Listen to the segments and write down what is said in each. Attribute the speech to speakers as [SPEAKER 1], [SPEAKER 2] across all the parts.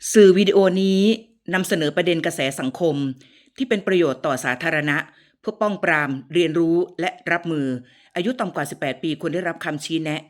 [SPEAKER 1] สื่อวิดีโอนี้นำเสนอประเด็นกระแสสังคมที่เป็นประโยชน์ต่อสาธารณะเพื่อป้องปรามเรียนรู้และรับมืออายุต่ำกว่า18ปีควรได้รับคำชี้แนะ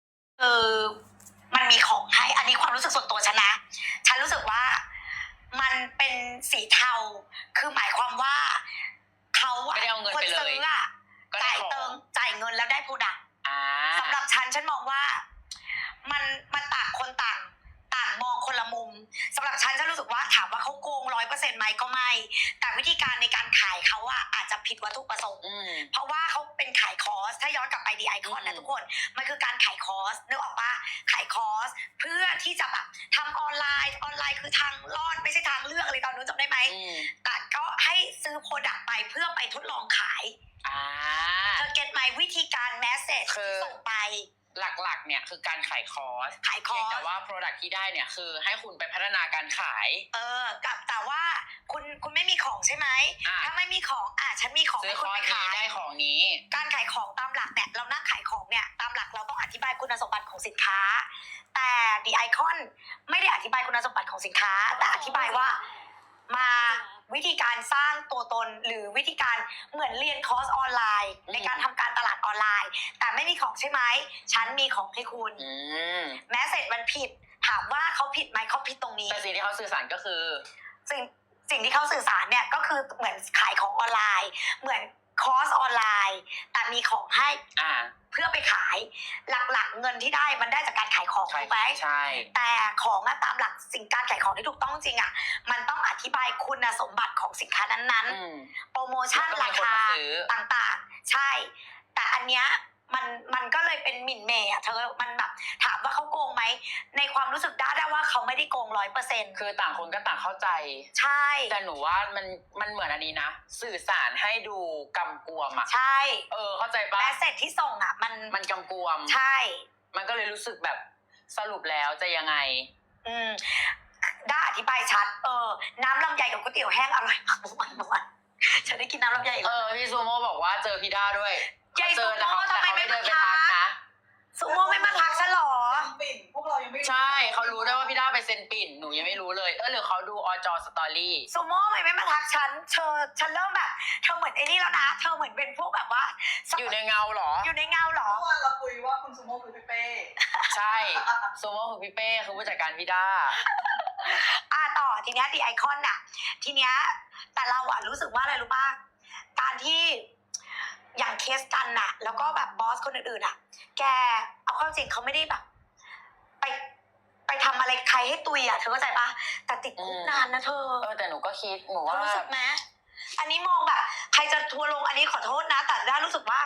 [SPEAKER 2] มันมีของให้อันนี้ความรู้สึกส่วนตัวฉันนะฉันรู้สึกว่ามันเป็นสีเทาคือหมายความว่าเขาอะคนซื้ออะจ่ายเงินแล้วได้โปรดักต์สำหรับฉันมองว่ามันต่างคนต่างมองคนละมุมสำหรับฉันรู้สึกว่าถามว่าเขาโกง100%ไหมก็ไม่แต่วิธีการในการขายเขาอะอาจจะผิดวัตถุประสงค์เพราะว่าเขาเป็นขายคอร์สถ้าย้อนกลับไปดีไอคอนนะทุกคนมันคือการขายคอร์สนึกออกปะขายคอร์สเพื่อที่จะแบบทำออนไลน์คือทางรอดไม่ใช่ทางเลือกอะไรตอนนู้นจำได้ไหมแต่ก็ให้ซื้อโปรดักต์ไปเพื่อไปทดลองขายเธอเก็ตไหมวิธีการแมสเซจที่ส่งไป
[SPEAKER 3] หลักๆเนี่ยคือการขายคอร์สแต่ว่า product ที่ได้เนี่ยคือให้คุณไปพัฒนาการขาย
[SPEAKER 2] แต่ว่าคุณไม่มีของใช่ไหมถ้าไม่มีของฉันมีของ
[SPEAKER 3] ให้คุณไปขายได้ของนี้
[SPEAKER 2] การขายของตามหลักเนี่ยเรานั่งขายของเนี่ยตามหลักเราต้องอธิบายคุณสมบัติของสินค้าแต่ดีไอคอนไม่ได้อธิบายคุณสมบัติของสินค้าแต่อธิบายว่ามาวิธีการสร้างตัวตนหรือวิธีการเหมือนเรียนคอร์สออนไลน์ในการทำการตลาดออนไลน์แต่ไม่มีของใช่ไหมฉันมีของให้คุณแม้เสร็จมันผิดถามว่าเขาผิดไหมเขาผิดตรงนี้
[SPEAKER 3] แต่สิ่งที่เขาสื่อสารก็คือ
[SPEAKER 2] สิ่งที่เขาสื่อสารเนี่ยก็คือเหมือนขายของออนไลน์เหมือนคอร์สออนไลน์แต่มีของให้เพื่อไปขายหลักๆเงินที่ได้มันได้จากการขายของถูกไหม
[SPEAKER 3] ใช่
[SPEAKER 2] แต่ของตามหลักสิ่งการขายของที่ถูกต้องจริงมันต้องอธิบายคุณสมบัติของสินค้านั้นๆโปรโมชั่นราคาต่างๆใช่แต่อันเนี้ยมันก็เลยเป็นหมิ่นเมย์เธอมันแบบถามว่าเขาโกงไหมในความรู้สึกได้ว่าเขาไม่ได้โกง100%
[SPEAKER 3] คือต่างคนก็ต่างเข้าใจ
[SPEAKER 2] ใช่
[SPEAKER 3] แต่หนูว่ามันเหมือนอันนี้นะสื่อสารให้ดูกำกวม
[SPEAKER 2] ใช่
[SPEAKER 3] เข้าใจปะ
[SPEAKER 2] แมสเสจที่ส่ง
[SPEAKER 3] มันกำกวม
[SPEAKER 2] ใช่
[SPEAKER 3] มันก็เลยรู้สึกแบบสรุปแล้วจะยังไง
[SPEAKER 2] ได้อธิบายชัดน้ำลำไยกับก๋วยเตี๋ยวแห้งอร่อยมากเมื่อวานฉันได้กินน้ำลำไย
[SPEAKER 3] พี่ซูโม่บอกว่าเจอพี่ด้าด้วย
[SPEAKER 2] ยายซูโม่ทำไมไม่มาทักนะซูโม่ไม่มาทักฉันหรอ
[SPEAKER 4] ปิ่นพวกเรายังไม่
[SPEAKER 3] ใช่เขารู้ได้ว่าพี่ด้าไปเซ็นปิ่นหนูยังไม่รู้เลยหรือเขาดูอจสตอรี่
[SPEAKER 2] ซูโม่ไม่มาทักฉันเริ่มแบบเธอเหมือนไอ้นี่แล้วนะเธอเหมือนเป็นพวกแบบว่า
[SPEAKER 3] อยู่ในเงาหรอ
[SPEAKER 2] อยู่ในเงาหรอ
[SPEAKER 4] เมื่อวานเราคุยว่าคุณซูโม่คือพี่เป้
[SPEAKER 3] ใช่ซูโม่คือพี่เป้คือผู้จัดการพี่ด้า
[SPEAKER 2] ต่อทีเนี้ยดีไอคอนทีเนี้ยแต่เรารู้สึกว่าอะไรรู้ป่ะการที่อย่างเคสกันแล้วก็แบบบอสคนอื่นๆแกเอาเข้าจริงเขาไม่ได้แบบไปทำอะไรใครให้ตุยเธอเข้าใจปะแต่ติดคุกนานนะเธอ
[SPEAKER 3] แต่หนูก็คิดหนูว่า
[SPEAKER 2] รู้สึกไหมอันนี้มองแบบใครจะทัวลงอันนี้ขอโทษนะแต่ได้รู้สึกว่า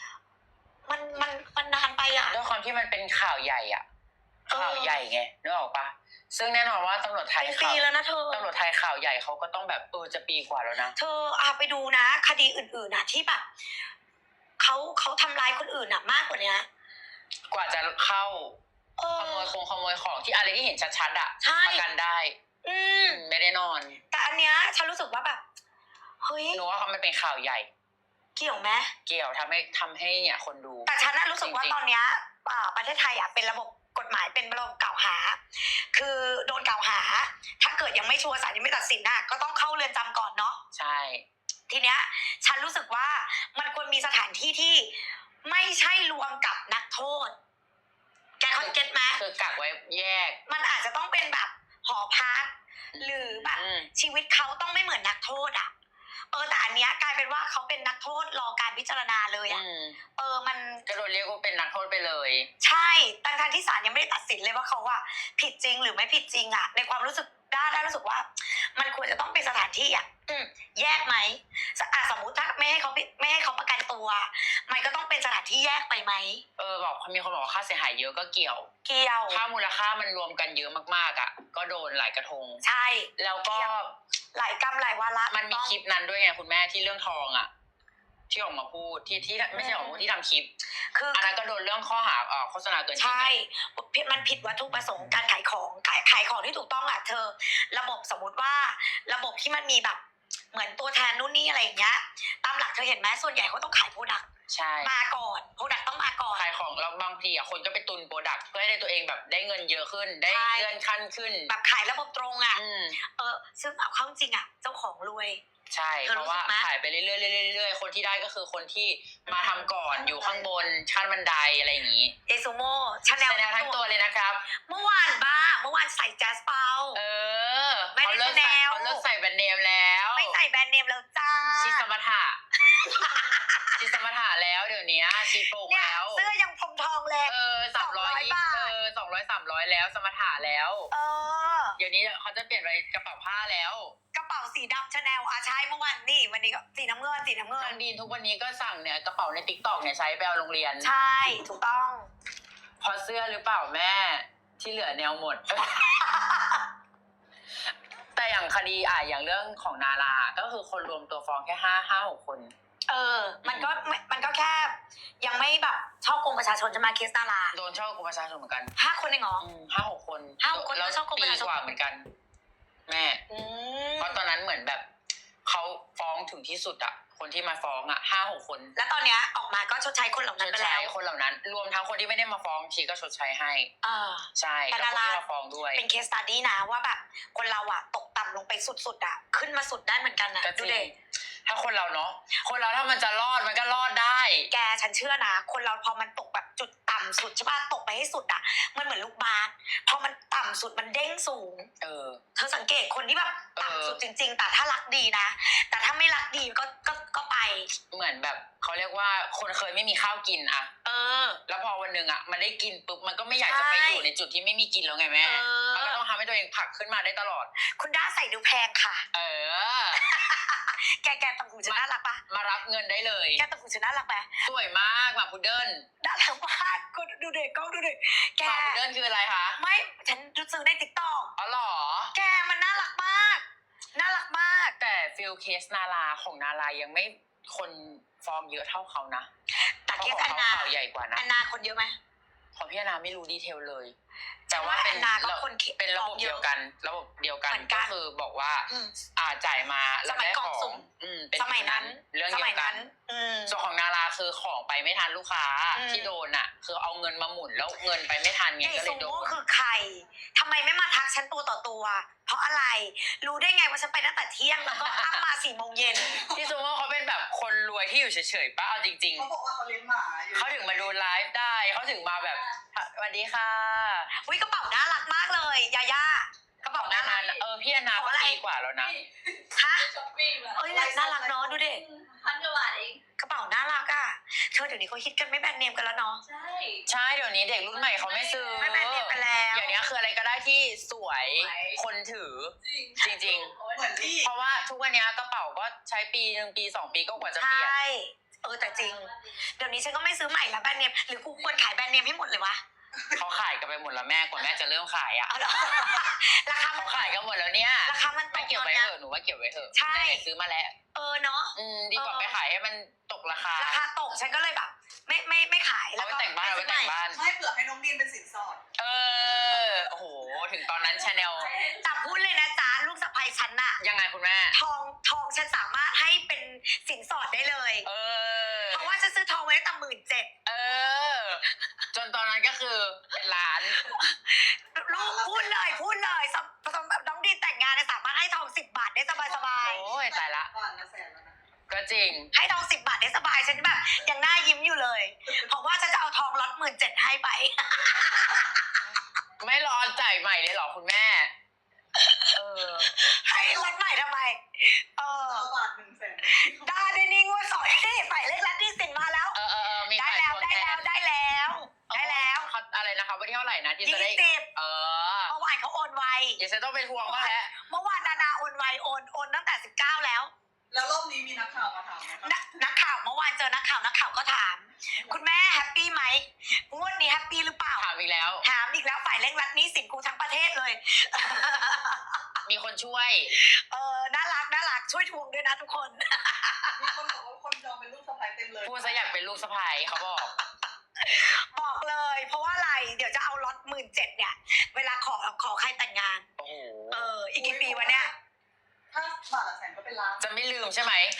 [SPEAKER 2] มันนานไป
[SPEAKER 3] ด้วยความที่มันเป็นข่าวใหญ่ข่าวใหญ่ไงนึกออกปะซึ่งแน่นอนว่าตำรวจไทย
[SPEAKER 2] เป็นปีแล้วนะเธอ
[SPEAKER 3] ตำรวจไทยข่าวใหญ่เขาก็ต้องแบบจะปีกว่าแล้วนะ
[SPEAKER 2] เธอไปดูนะคดีอื่นๆที่แบบเขาทำร้ายคนอื่นมากกว่านี้
[SPEAKER 3] กว่าจะเข้าขโมยของที่อะไรที่เห็นชัดๆประกันได้ไม่ได้นอน
[SPEAKER 2] แต่อันเนี้ยฉันรู้สึกว่าแบบเฮ้ย
[SPEAKER 3] หนูว่ามันเป็นข่าวใหญ่
[SPEAKER 2] เกี่ยวไหม
[SPEAKER 3] เกี่ยวทำให้เนี่ยคนดู
[SPEAKER 2] แต่ฉันรู้สึกว่าตอนเนี้ยประเทศไทยเป็นระบบกฎหมายเป็นระบบกล่าวหาคือโดนกล่าวหาถ้าเกิดยังไม่ชัวร์ศาลยังไม่ตัดสินก็ต้องเข้าเรือนจำก่อนเนาะ
[SPEAKER 3] ใช่
[SPEAKER 2] ทีเนี้ยฉันรู้สึกว่ามันควรมีสถานที่ที่ไม่ใช่รวมกับนักโทษแกเขาเก็ตไหม
[SPEAKER 3] คือกักไว้แยก
[SPEAKER 2] มันอาจจะต้องเป็นแบบหอพักหรือแบบชีวิตเขาต้องไม่เหมือนนักโทษแต่อันเนี้ยกลายเป็นว่าเขาเป็นนักโทษรอการพิจารณาเลยมัน
[SPEAKER 3] ก็โดนเรียกว่าเป็นนักโทษไปเลย
[SPEAKER 2] ใช่ทั้งที่ศาลยังไม่ได้ตัดสินเลยว่าเขาผิดจริงหรือไม่ผิดจริงในความรู้สึกได้รู้สึกว่ามันควรจะต้องเป็นสถานที่แยกไหมสมมุติถ้าไม่ให้เขาประกันตัวมันก็ต้องเป็นสถานที่แยกไปไหม
[SPEAKER 3] บอกมีคนบอกว่าค่าเสียหายเยอะก็เกี่ยวถ้ามูลค่ามันรวมกันเยอะมากๆก็โดนหลายกระทง
[SPEAKER 2] ใช่
[SPEAKER 3] แล้วก็
[SPEAKER 2] หลายกรรมหลายวาระ
[SPEAKER 3] มันมีคลิปนั้นด้วยไงคุณแม่ที่เรื่องทองที่ออกมาพูดที่ไม่ใช่ออกมาพูดที่ทำคลิปอันนั้นก็โดนเรื่องข้อหาโฆษณาเกินจริง
[SPEAKER 2] ใช่มันผิดวัตถุประสงค์การขายของที่ถูกต้องเธอระบบสมมติว่าระบบที่มันมีแบบเหมือนตัวแทนนู่นนี่อะไรอย่างเงี้ยตามหลักเธอเห็นไหมส่วนใหญ่เขาต้องขายโปรดักต์
[SPEAKER 3] ใช่
[SPEAKER 2] มาก่อนโปรดักต์ต้องมาก่อน
[SPEAKER 3] ขายของแล้วบางทีคนก็ไปตุนโปรดักต์เพื่อให้ตัวเองแบบได้เงินเยอะขึ้นได้
[SPEAKER 2] ใช่
[SPEAKER 3] เลื่อนขั้นขึ้น
[SPEAKER 2] แบบขายระบบตรงอ่ะ
[SPEAKER 3] อืม
[SPEAKER 2] ซึ่งเอาเข้าจริงอ่ะเจ้าของรวย
[SPEAKER 3] ใช่
[SPEAKER 2] เธอ
[SPEAKER 3] เพ
[SPEAKER 2] รู้
[SPEAKER 3] ราะ
[SPEAKER 2] สึ
[SPEAKER 3] ว่าก
[SPEAKER 2] ไหม
[SPEAKER 3] ขายไปเรื่อยๆเรื่อยๆคนที่ได้ก็คือคนที่มาทำก่อนอยู่ข้างบนชั้นบันไดอะไรอย่างนี้
[SPEAKER 2] เอซูโม่ชาแนล
[SPEAKER 3] แสดงทั้งตัวเลยนะครับ
[SPEAKER 2] เมื่อวานเมื่อวานใส่แจ๊สเปา ไม่ได้
[SPEAKER 3] เขาเลิกใส่
[SPEAKER 2] Chanel
[SPEAKER 3] เขาเลิกใส่แบรนด์เนมแล้ว
[SPEAKER 2] ไม่ใส่แบรนด์เนมแล้วจ้า
[SPEAKER 3] ชีสมถะ ชีสมถะแล้วเดี๋ยวนี้ชีโปร่ง
[SPEAKER 2] เนี่ย
[SPEAKER 3] แล้ว
[SPEAKER 2] เสื้อยังพรมทองเลย
[SPEAKER 3] 300
[SPEAKER 2] บาท
[SPEAKER 3] 200-300แล้วสมถะแล้ว
[SPEAKER 2] เออ
[SPEAKER 3] เดี๋ยวนี้เขาจะเปลี่ยนไปกระเป๋าผ้าแล้ว
[SPEAKER 2] กระเป๋าสีดำชาแนลใช้เมื่อวันนี่วันนี้ก็สีน้ำเงิน
[SPEAKER 3] น้องดีนทุกวันนี้ก็สั่งเนี่ยกระเป๋าในติ๊กต็อกเนี่ยใช้ไปเอาโรงเรียน
[SPEAKER 2] ใช่ถูกต้อง
[SPEAKER 3] เพราะเสื้อหรือเปล่าแม่ที่เหลือแนวหมด แต่อย่างคดีอย่างเรื่องของนาราก็คือคนรวมตัวฟ้องแค่5-6 คน
[SPEAKER 2] มันก็แค่ยังไม่แบบช่อกงประชาชนจะมาเคสดารา
[SPEAKER 3] โดนช่อกงประชาชนเหมือนกัน
[SPEAKER 2] 5 คนเองเหรอ
[SPEAKER 3] 5-6 คน
[SPEAKER 2] 5-6 คน
[SPEAKER 3] แล้ว
[SPEAKER 2] ก็ช่อกงประชาชน
[SPEAKER 3] ปีกว่าเหมือนกัน แม่ เพราะตอนนั้นเหมือนแบบเขาฟ้องถึงที่สุดอะคนที่มาฟ้อง5-6 คน
[SPEAKER 2] แล้วตอนเนี้ยออกมาก็ชดใช้คนเหล่า
[SPEAKER 3] ช
[SPEAKER 2] นั้น
[SPEAKER 3] ด
[SPEAKER 2] ไป
[SPEAKER 3] ใช้
[SPEAKER 2] แล้ว
[SPEAKER 3] คนเหล่านั้น รวมทั้งคนที่ไม่ได้มาฟ้องชีก็ชดใช้ให้ ใช่
[SPEAKER 2] แต่
[SPEAKER 3] แล้วคน
[SPEAKER 2] ดารา
[SPEAKER 3] ที่มาฟ้องด้วย
[SPEAKER 2] เป็นเคสสตัดดี้นะว่าแบบคนเราอะตกต่ำลงไปสุดๆอะขึ้นมาสุดได้เหมือนกันนะ
[SPEAKER 3] ก็จ
[SPEAKER 2] ดู
[SPEAKER 3] ริ
[SPEAKER 2] เด็
[SPEAKER 3] งถ้าคนเราเนาะคนเราถ้ามันจะรอดมันก็รอดได้
[SPEAKER 2] แกฉันเชื่อนะคนเราพอมันตกแบบจุดต่ำสุดใช่ป่ะตกไปให้สุดอะมันเหมือนลูกบาสพอมันต่ำสุดมันเด้งสูง เธอสังเกตคนที่แบบต่ำสุดจริงๆแต่ถ้ารักดีนะแต่ถ้าไม่รักดีก็ไป
[SPEAKER 3] เหมือนแบบเขาเรียกว่าคนเคยไม่มีข้าวกินอะ แล้วพอวันหนึ่งมันได้กินปุ๊บมันก็ไม่อยากจะไปอยู่ในจุดที่ไม่มีกินแล้วไงแม่ มันก็ต้องทำให้ตัวเองผลักขึ้นมาได้ตลอด
[SPEAKER 2] คุณด้าใส่ดูแพงค่ะ แกต่างหูฉันน่ารักปะ
[SPEAKER 3] มารับเงินได้เลย
[SPEAKER 2] แกต่างหูฉันน่ารักปะ
[SPEAKER 3] สวยมากหมาพุดเดิ้ล
[SPEAKER 2] น่ารักมากก็ดูเด็กกล้องดูเด็กแก
[SPEAKER 3] หมาพุดเดิ้ลคืออะไรคะ
[SPEAKER 2] ไม่ฉันซื้อในติ๊กต็อก
[SPEAKER 3] อ๋อเหรอ
[SPEAKER 2] แกมันน่ารักมากน่ารักมาก
[SPEAKER 3] แต่ฟิลเคสนาราของนารายังไม่คนฟ้องเยอะเท่าเขานะ
[SPEAKER 2] แต่เคส
[SPEAKER 3] พ
[SPEAKER 2] อั
[SPEAKER 3] ราะ
[SPEAKER 2] น
[SPEAKER 3] ของ
[SPEAKER 2] นา
[SPEAKER 3] เขาข่าวใหญ่กว่านะ
[SPEAKER 2] อันนาคนเยอะไหม
[SPEAKER 3] ของพี่อนาไม่รู้ดีเทลเลย
[SPEAKER 2] แต่ว่าอันนาก็คน
[SPEAKER 3] เป็นระบบเดียวกัน ระบบเดียวกัน
[SPEAKER 2] เหมือนกั
[SPEAKER 3] ก็
[SPEAKER 2] น
[SPEAKER 3] คือบอกว่า
[SPEAKER 2] อืม
[SPEAKER 3] จ่ายมาแล้ว
[SPEAKER 2] สมัย
[SPEAKER 3] ได้
[SPEAKER 2] กล่
[SPEAKER 3] ข
[SPEAKER 2] อง
[SPEAKER 3] อง
[SPEAKER 2] สุ่ม
[SPEAKER 3] เป็น
[SPEAKER 2] สมัยนั้น
[SPEAKER 3] เรื่อง
[SPEAKER 2] ส
[SPEAKER 3] เดีย
[SPEAKER 2] มัยว
[SPEAKER 3] กั
[SPEAKER 2] นั้น น
[SPEAKER 3] ส่วนของนาราคือของไปไม่ทันลูกค้า
[SPEAKER 2] อืม
[SPEAKER 3] ที่โดนคือเอาเงินมาหมุนแล้วเงินไปไม่ทันไง
[SPEAKER 2] ใหญ่
[SPEAKER 3] ก็เล
[SPEAKER 2] ซู
[SPEAKER 3] ยโด
[SPEAKER 2] โม่
[SPEAKER 3] น
[SPEAKER 2] คือใครทำไมไม่มาทักฉันตัวต่อตัว เพราะอะไร รู้ได้ไงว่าฉันไปตั้งแต่เที่ยงแล้วก็อ้ามา4 โมงเย็น
[SPEAKER 3] พี่ซูโม่เขาเป็นแบบคนรวยที่อยู่เฉยๆป้าเอาจริง
[SPEAKER 4] เขาบอกว่าเขาเลี้ยงหมาอยู่
[SPEAKER 3] ๆเขาถึงมาดูไลฟ์ได้เขาถึงมาแบบสวัสดีค่ะ
[SPEAKER 2] อุ้ยกระเป๋าน่ารักมากเลยยาย่ากระเป๋าน่ารัก
[SPEAKER 3] พี่อนาก็ปีกว่าแล้วนะ
[SPEAKER 2] ฮะ
[SPEAKER 4] ช้อปปิ้งอะ
[SPEAKER 2] เอ้ยน่ารักเนาะดูดิ
[SPEAKER 4] 1,000 กว่าบาทเอง
[SPEAKER 2] กระเป๋าน่ารักอ่ะเธอเดี๋ยวนี้เขาฮิตกันไม่แบรนด์เนมกันแล้วเนาะ
[SPEAKER 4] ใช่
[SPEAKER 3] ใช่เดี๋ยวนี้เด็กรุ่นใหม่เขาไม่ซื้อ
[SPEAKER 2] ไม่แบรนด์เนมกันแล้ว
[SPEAKER 3] อย่างนี้คืออะไรก็ได้ที่สวยคนถือ จริง
[SPEAKER 4] เหมือนที่
[SPEAKER 3] เพราะว่าทุกวันนี้กระเป๋าก็ใช้ปี1 ปี 2 ปีก็กว่าจะ
[SPEAKER 2] ใช
[SPEAKER 3] เปลี่ยน
[SPEAKER 2] ่แต่จริง เดี๋ยวนี้ฉันก็ไม่ซื้อใหม่ละแบรนด์เนมหรือกูควรขายแบรนด์เนมให้หมดเลยวะ
[SPEAKER 3] เขาขายกันไปหมดแล้วแม่กว่าแม่จะเริ่มขายอ่ะ
[SPEAKER 2] เอาเหรอราคามัน
[SPEAKER 3] เขาขายกันหมดแล้วเนี่ย
[SPEAKER 2] ราคามันต
[SPEAKER 3] ไม่
[SPEAKER 2] ก
[SPEAKER 3] เก็บ
[SPEAKER 2] ตอน
[SPEAKER 3] ไว้
[SPEAKER 2] เนี้ย
[SPEAKER 3] เถอะหนูว่าเก็บไว้เถอะ
[SPEAKER 2] ใช่
[SPEAKER 3] ได้ซื้อมาแล้ว
[SPEAKER 2] เนาะ
[SPEAKER 3] ดีกว่าไปขายให้มันตกราคา
[SPEAKER 2] ราคาตกฉันก็เลยแบบ ไม่ขาย
[SPEAKER 3] เอาไปแต่งบ้านเอาไปแต่งบ้าน
[SPEAKER 4] ให้เผื่อให้น้องดีนเป็นสินสอด
[SPEAKER 3] โอ้โหถึงตอนนั้นชาแนล
[SPEAKER 2] แต่พูดเลยนะจ๊ะลูกสะใภ้ฉันน่ะ
[SPEAKER 3] ยังไงคุณแม่
[SPEAKER 2] ทองฉันสามารถให้เป็นสินสอดได้เลย เพราะว่าฉันซื้อทองไว้ตั้ง17,000
[SPEAKER 3] จนตอนนั้นก็คือเป็นล้าน
[SPEAKER 2] ลูกพูดเลยน้องดีแต่งงานเนี่ยสามารถให้ทอง10 บาทได้สบาย
[SPEAKER 3] โอ้ยตายละ
[SPEAKER 4] ก่อนละแสนแล้วนะ
[SPEAKER 3] ก็จริง
[SPEAKER 2] ๆให้ทอง10 บาทได้สบายฉันแบบยังหน้ายิ้มอยู่เลย เพราะว่าฉันจะเอาทองล็อต17,000ให้ไป
[SPEAKER 3] ไม่รอจ่ายใหม่เลยเหรอคุณแม่
[SPEAKER 2] ให้ล็อตใหม่ทำไม
[SPEAKER 4] บาท1แสน
[SPEAKER 2] ได้นี่งวด2นี่ฝ่ายเลขลัดที่สินมาแล้ว
[SPEAKER 3] มี
[SPEAKER 2] ได้
[SPEAKER 3] ฝ่าย
[SPEAKER 2] แล้ว
[SPEAKER 3] ทวง
[SPEAKER 2] ได้
[SPEAKER 3] แท
[SPEAKER 2] แล้ว
[SPEAKER 3] น
[SPEAKER 2] ได้แล้วได้แล้ว
[SPEAKER 3] เขาอะไรนะคะวันที่เท่าไหร่นะที่จะได้
[SPEAKER 2] 20เมื่อวานเขาโอนไว
[SPEAKER 3] เดี๋ยวฉันต้องไปทวงบ้างแล้ว
[SPEAKER 2] เมื่อวานนาโอนไวโอนตั้งแต่19แล้ว
[SPEAKER 4] แล้วรอบนี้มีนักข่าวมาถามไหมคะ
[SPEAKER 2] นักข่าวเมื่อวานเจอนักข่าวก็ถาม คุณแม่แฮปปี้ไหมงวดนี้แฮปปี้หรือเปล่า
[SPEAKER 3] ถามอีกแล้ว
[SPEAKER 2] ถามอีกแล้วฝ่ายเร่งรัดหนี้สินกูทั้งประเทศเลย
[SPEAKER 3] มีคนช่วย
[SPEAKER 2] น่ารักช่วยทวงด้วยนะทุกคน
[SPEAKER 4] มีคนบอกว่าคนจองเป็นลูกสะใภ้เต็มเลย
[SPEAKER 3] พูดซะอยากเป็นลูกสะใภ้เขาบอก
[SPEAKER 2] บอกเลย เพราะว่าอะไรเดี๋ยวจะเอาล็อต17,000เนี่ย เวลาขอใครแต่งงาน
[SPEAKER 3] โอ้โห
[SPEAKER 2] อีกกี่ปีวะเนี่ย
[SPEAKER 4] ถ้าบาทละแสนก็เป็นล้าน
[SPEAKER 3] จะไม่ลืมใช่ไหม
[SPEAKER 2] ฮะ
[SPEAKER 3] จะ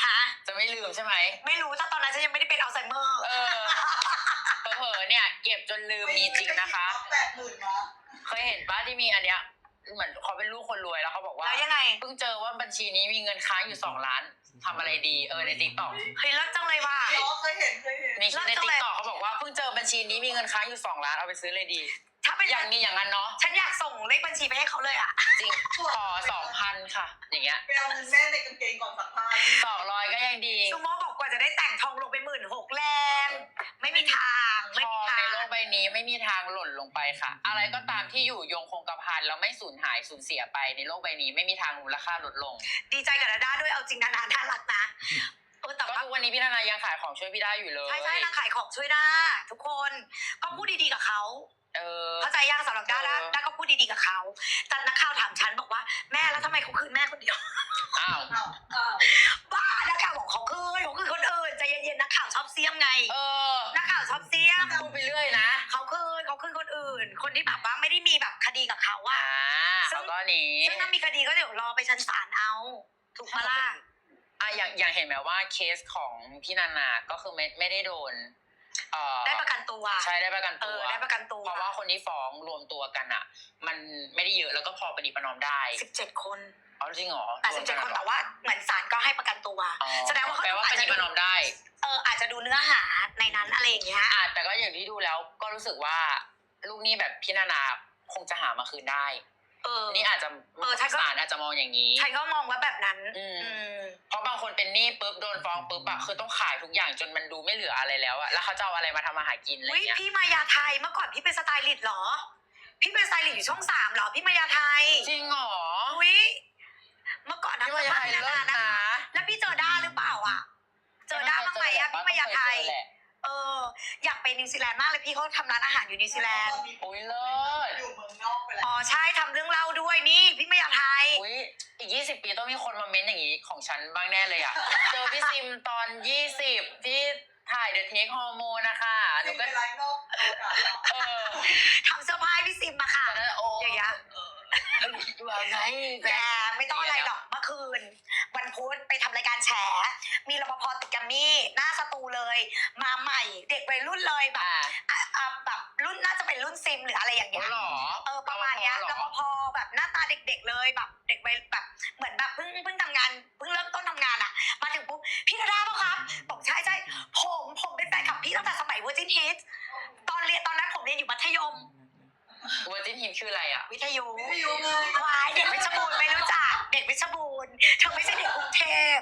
[SPEAKER 3] จะไม่ลืมใช่ไหม
[SPEAKER 2] ไม่รู้ถ้าตอนนั้นฉันยังไม่ได้เป็นอัลไซเมอร์
[SPEAKER 3] เผลอๆเนี่ยเก็บจนลืมมีจริงนะคะ
[SPEAKER 4] 80,000นะ
[SPEAKER 3] เคยเห็นป้าที่มีอันเนี้ยเหมือนเขาเป็นลูกคนรวยแล้วเขาบอกว่า
[SPEAKER 2] แล้วยังไง
[SPEAKER 3] เพิ่งเจอว่าบัญชีนี้มีเงินค้างอยู่2 ล้านทำอะไรดีในติ๊กต็อก
[SPEAKER 2] เฮ้ยเลิศจังเลยว่ะ
[SPEAKER 4] เคยเห็น
[SPEAKER 3] มีคลิปในติ๊กต็อกเขาบอกว่าเพิ่งเจอบัญชีนี้มีเงินค้างอยู่2 ล้านเอาไปซื้อเลยดี
[SPEAKER 2] ถ้าเป็น
[SPEAKER 3] อย่างนี้อย่างนั้นเนาะ
[SPEAKER 2] ฉันอยากส่งเลขบัญชีไปให้เขาเลยอ่ะ
[SPEAKER 3] จริงขอ 2,000 ค่ะ อย่างเงี้ย
[SPEAKER 4] ไปเอาเงินแม่ในกางเกงก่อนสักผ้า
[SPEAKER 3] 200ก็ยังดี
[SPEAKER 2] ซูโม่บอกกว่าจะได้แต่งทองลงไป16,000แรง ไม่มีทาง
[SPEAKER 3] ท
[SPEAKER 2] ไม่
[SPEAKER 3] อ
[SPEAKER 2] มี
[SPEAKER 3] ง
[SPEAKER 2] ทา
[SPEAKER 3] ใน
[SPEAKER 2] ง
[SPEAKER 3] โลกใบนี้ไม่มีทางหล่นลงไปค่ะ อะไรก็ตามที่อยู่ยงคงกระพันแล้วไม่สูญหายสูญเสียไปในโลกใบนี้ไม่มีทางมูลค่าลดลง
[SPEAKER 2] ดีใจกับดาด้าด้วยเอาจริงนานาน่ารักนะแต่
[SPEAKER 3] ก็
[SPEAKER 2] ว่า
[SPEAKER 3] ทุกวันนี้พี่นานายังขายของช่วยพี่ได้อยู่เลย
[SPEAKER 2] ใช่นางขายของช่วยด้าทุกคนก็พูดดีๆกับเขาเข้าใจยังสำหรับด้าด้าก็พูดดีๆกับเขาแต่นักข่าวถามฉันบอกว่าแม่แล้วทำไมเขาคืนแม่คนเดียว
[SPEAKER 3] อ้าว
[SPEAKER 2] บ้านักข่าวบอกเขาคืนคนอื่นใจเย็นๆนักข่าวชอบเสี้ยมไง นักข่าวชอบเสี้ยม
[SPEAKER 3] พูดไปเรื่อยนะ
[SPEAKER 2] เขาคืนคนอื่น คนที่แบบว่าไม่ได้มีแบบคดีกับเขาอะ
[SPEAKER 3] เขาก็หนี
[SPEAKER 2] ซึ่งถ้ามีคดีก็เดี๋ยวรอไปชั้นศาลเอาถูกปะล่ะ
[SPEAKER 3] อย่างเห็นไหมว่าเคสของพี่นานาก็คือไม่ได้โดน
[SPEAKER 2] ได้ประกันตัว
[SPEAKER 3] ใช่ได้ประกันตัว
[SPEAKER 2] ได้ประกันตัว
[SPEAKER 3] เพราะว่าคนที่ฟ้องรวมตัวกันอ่ะ มันไม่ได้เยอะแล้วก็พอประนีประนอมได้
[SPEAKER 2] 17 คน
[SPEAKER 3] อ๋อจริงเหรอ
[SPEAKER 2] 17 คนแต่ว่าเหมือนศาลก็ให้ประกันตัวแสดงว่าเขา
[SPEAKER 3] แปลว่าประนีประนอมได้
[SPEAKER 2] อาจจะดูเนื้อหาในนั้นอะไรอย่างเงี้ย
[SPEAKER 3] แต่ก็อย่างที่ดูแล้วก็รู้สึกว่าลูกหนี้แบบพี่นานาคงจะหามาคืนได้นี่อาจจะศาลอาจจะมองอย่างนี้
[SPEAKER 2] ฉันก็มองว่าแบบนั้น
[SPEAKER 3] เพราะบางคนเป็นหนี้ปุ๊บโดนฟ้องปุ๊บอะคือต้องขายทุกอย่างจนมันดูไม่เหลืออะไรแล้วอะแล้วเขาจะเอาอะไรมาทำมาหากินอะไรเงี้ย
[SPEAKER 2] พี่มายาไทยเมื่อก่อนพี่เป็นสไตลิสต์หรอพี่เป็นสไตลิสต์อยู่ช่อง3หรอพี่มายาไทย
[SPEAKER 3] จริงเหรอ
[SPEAKER 2] เมื่อก่อน
[SPEAKER 3] พี่มายาไทยเลิศนะ
[SPEAKER 2] แล้วพี่เจอด้าหรือเปล่าอ่ะเจอด้าบ้างไหมอ่ะพี่มายาไทยอยากไปนิวซีแลนด์มากเลยพี่เขาทำร้านอาหารอยู่นิวซีแลนด์
[SPEAKER 3] โอ้ยเลิศ
[SPEAKER 4] อยู่เมืองนอกไปแล้ว
[SPEAKER 2] ใช่ทำเรื่องเล่าด้วยนี่พี่มายาไทย
[SPEAKER 3] อุ้ยอีก20 ปีต้องมีคนมาเม้นอย่างนี้ของฉันบ้างแน่เลยอะเจอพี่ซิมตอน20ที่ถ่ายเดอะเทคฮอร์โมนนะคะหนูก็
[SPEAKER 4] ไลฟ์นอกอากาศแล้ว
[SPEAKER 2] ทำเสื้อผ้าให้พี่ซิมมาค่ะ
[SPEAKER 3] แต่นั้นโอ้
[SPEAKER 2] อย่างเงี้ย
[SPEAKER 3] ว่าไง
[SPEAKER 2] แหมไม่ต้องอะไรหรอกเมื่อคืนวันพุธไปทำรายการแฉมีรปภติดกัมมี่หน้าสตูเลยมาใหม่เด็กวัยรุ่นเลยแบบรุ่นน่าจะเป็นรุ่นซิมหรืออะไรอย่างเงี้ย
[SPEAKER 3] หรอ
[SPEAKER 2] ประมาณเนี้ยรปภแบบหน้าตาเด็กๆเลยแบบเด็กวัยแบบเหมือนแบบเพิ่งทำงานเพิ่งเริ่มต้นทำงานอ่ะมาถึงปุ๊บพี่ดาด้าป่ะครับบอกใช่ผมเป็นแฟนคลับพี่ตั้งแต่สมัย Virgin Hits ตอนนั้นผมเรียนอยู่มัธยม
[SPEAKER 3] เวอร์จินฮิมชื่ออะไรอะ
[SPEAKER 2] วิทยุ
[SPEAKER 4] ไม่อยู่เลย
[SPEAKER 2] ควายเด็กเพชรบูรณ์ไม่รู้จักเด็กเพชรบูรณ์เธอไม่ใช่เด็กกรุงเทพ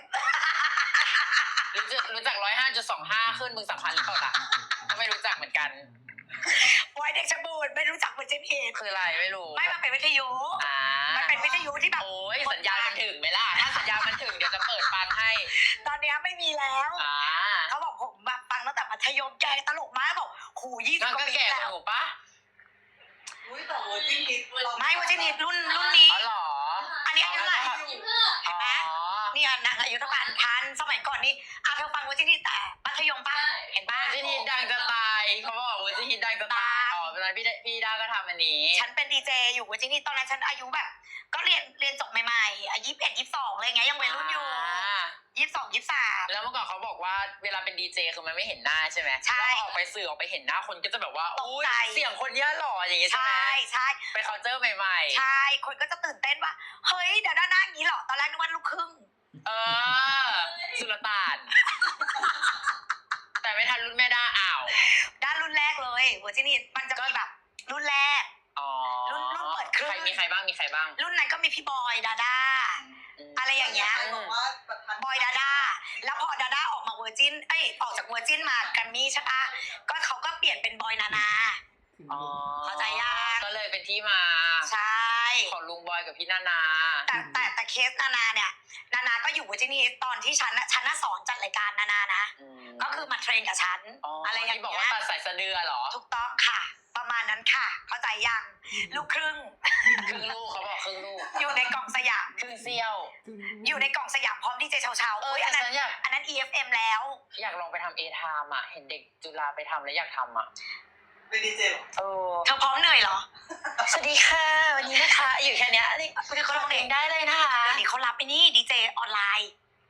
[SPEAKER 3] รู้จัก105.25ขึ้นมึงสัมพันธ์หรือเปล่าล่ะก็ไม่รู้จักเหมือนกัน
[SPEAKER 2] ควายเด็กเพชรบูรณ์ไม่รู้จักเวอร์จินเฮด
[SPEAKER 3] คืออะไรไม่รู้
[SPEAKER 2] ไม่มันเป็นวิทยุมันเป็นวิทยุที่แบบ
[SPEAKER 3] โอ้ยสัญญาณมันถึงไหมล่ะถ้าสัญญาณมันถึงเดี๋ยวจะเปิดฟังให้
[SPEAKER 2] ตอนนี้ไม่มีแล้วเขาบอกผมแบบฟังตั้งแต่มัธยมแกตลกมากบอกหู20
[SPEAKER 3] นั่น
[SPEAKER 2] กว่า
[SPEAKER 3] ก็
[SPEAKER 2] ปี
[SPEAKER 3] แก่ก
[SPEAKER 2] แล้
[SPEAKER 3] ว่าว หนูปะ
[SPEAKER 4] อุ้ยแต่เวอร์จินฮิต
[SPEAKER 2] ไม่เวอร์จินเฮดรุ่นนี้
[SPEAKER 3] อ๋อเหรอ
[SPEAKER 2] อันนี้อายุเท่าไหร่
[SPEAKER 3] เห็นไหม
[SPEAKER 2] นี่อายุเท่ากันทันสมัยก่อนนี่เธอฟังเวอร์จินเฮดแต่มัธยมป่ะเห็นป่ะ
[SPEAKER 3] เวอร์จินฮิตดังจะตายเขาบอกเวอร์จินฮิตดังจะตายอ๋อเป็นไรพี่ดาก็ทำอันนี้
[SPEAKER 2] ฉันเป็นดีเจอยู่เวอร์จินเฮดตอนนั้นฉันอายุแบบก็เรียนจบใหม่ๆ21 22อะไรเงี้ยยังวัยรุ่นอยู่22 23
[SPEAKER 3] แล้วเมื่อก่อนเขาบอกว่าเวลาเป็นดีเจคือมันไม่เห็นหน้าใช่ไหม
[SPEAKER 2] ใช่
[SPEAKER 3] แล้วออกไปสื่อออกไปเห็นหน้าคนก็จะแบบว่า
[SPEAKER 2] ตก
[SPEAKER 3] อุ้ย
[SPEAKER 2] ใจ
[SPEAKER 3] เสียงคนเนี้ยหล่ออย่างงี้ใช่ไหม
[SPEAKER 2] ใช่
[SPEAKER 3] ไปเคาน์เตอร์ใหม่ๆ
[SPEAKER 2] ใช่คนก็จะตื่นเต้นว่าเฮ้ยเดี๋ยวด้านหน้าอย่างนี้เหรอตอนแรกนึกว่าลูกครึ่ง
[SPEAKER 3] สุลต่าน แต่ไม่ทันรุ่นแม่ด้าอ้าว
[SPEAKER 2] ด้านรุ่นแรกเลยเวอร์จินีมันจะมีแบบรุ่นแรก รุ่นเปิดเครื่อง
[SPEAKER 3] มีใครบ้าง
[SPEAKER 2] รุ่นนั้นก็มีพี่บอยดาด้าอะไรอย่างเงี้ย
[SPEAKER 4] บอกว่าแบบทัน
[SPEAKER 2] บอยดาด้าแล้วพอดาด้าออกมาเวอร์จินออกจากเวอร์จินมาแกรมมี่ใช่ปะก็เขาก็เปลี่ยนเป็นบอยนานา เข้าใจยัง
[SPEAKER 3] ก็เลยเป็นที่มา
[SPEAKER 2] ใช่
[SPEAKER 3] ของลุงบอยกับพี่นานา
[SPEAKER 2] แต่เคสนานาเนี่ยนานาก็อยู่เวอร์จินีตอนที่ฉันน่ะสอนจัดรายการนานานะก็คือมาเทรนกับฉันอะไรอย่าง
[SPEAKER 3] ที่บอก
[SPEAKER 2] เงี้
[SPEAKER 3] ว่าย ตัดสายสะดือเหรอ
[SPEAKER 2] ถูกต้องค่ะ ประมาณนั้นค่ะ เข้าใจยังลูกครึ่ง
[SPEAKER 3] ครึ่งลูกเขาบอกครึ่งลูก
[SPEAKER 2] อยู่ในกล่องสยาม
[SPEAKER 3] ครึ่งเซี่ยว
[SPEAKER 2] อยู่ในกล่องสยามพร้อมดีเจเช้าๆ
[SPEAKER 3] แต่
[SPEAKER 2] อันนั้น
[SPEAKER 3] ฉันอยาก
[SPEAKER 2] EFM แล้ว
[SPEAKER 3] อยากลองไปทำเอทามอ่ะเห็นเด็กจุฬาไปทำแล้วอยากทำอ่ะ
[SPEAKER 4] เป็นดีเจหรอ
[SPEAKER 2] เธอพร้อมเหนื่อยเหรอ
[SPEAKER 3] สวัสดีค่ะวันนี้นะคะอยู่แค่เนี้ยนี่
[SPEAKER 2] คุณเขาร้องเพลง
[SPEAKER 3] ได้เลยนะคะ
[SPEAKER 2] เดี๋ยวนี้เขารับไอ้นี่ดีเจออนไลน์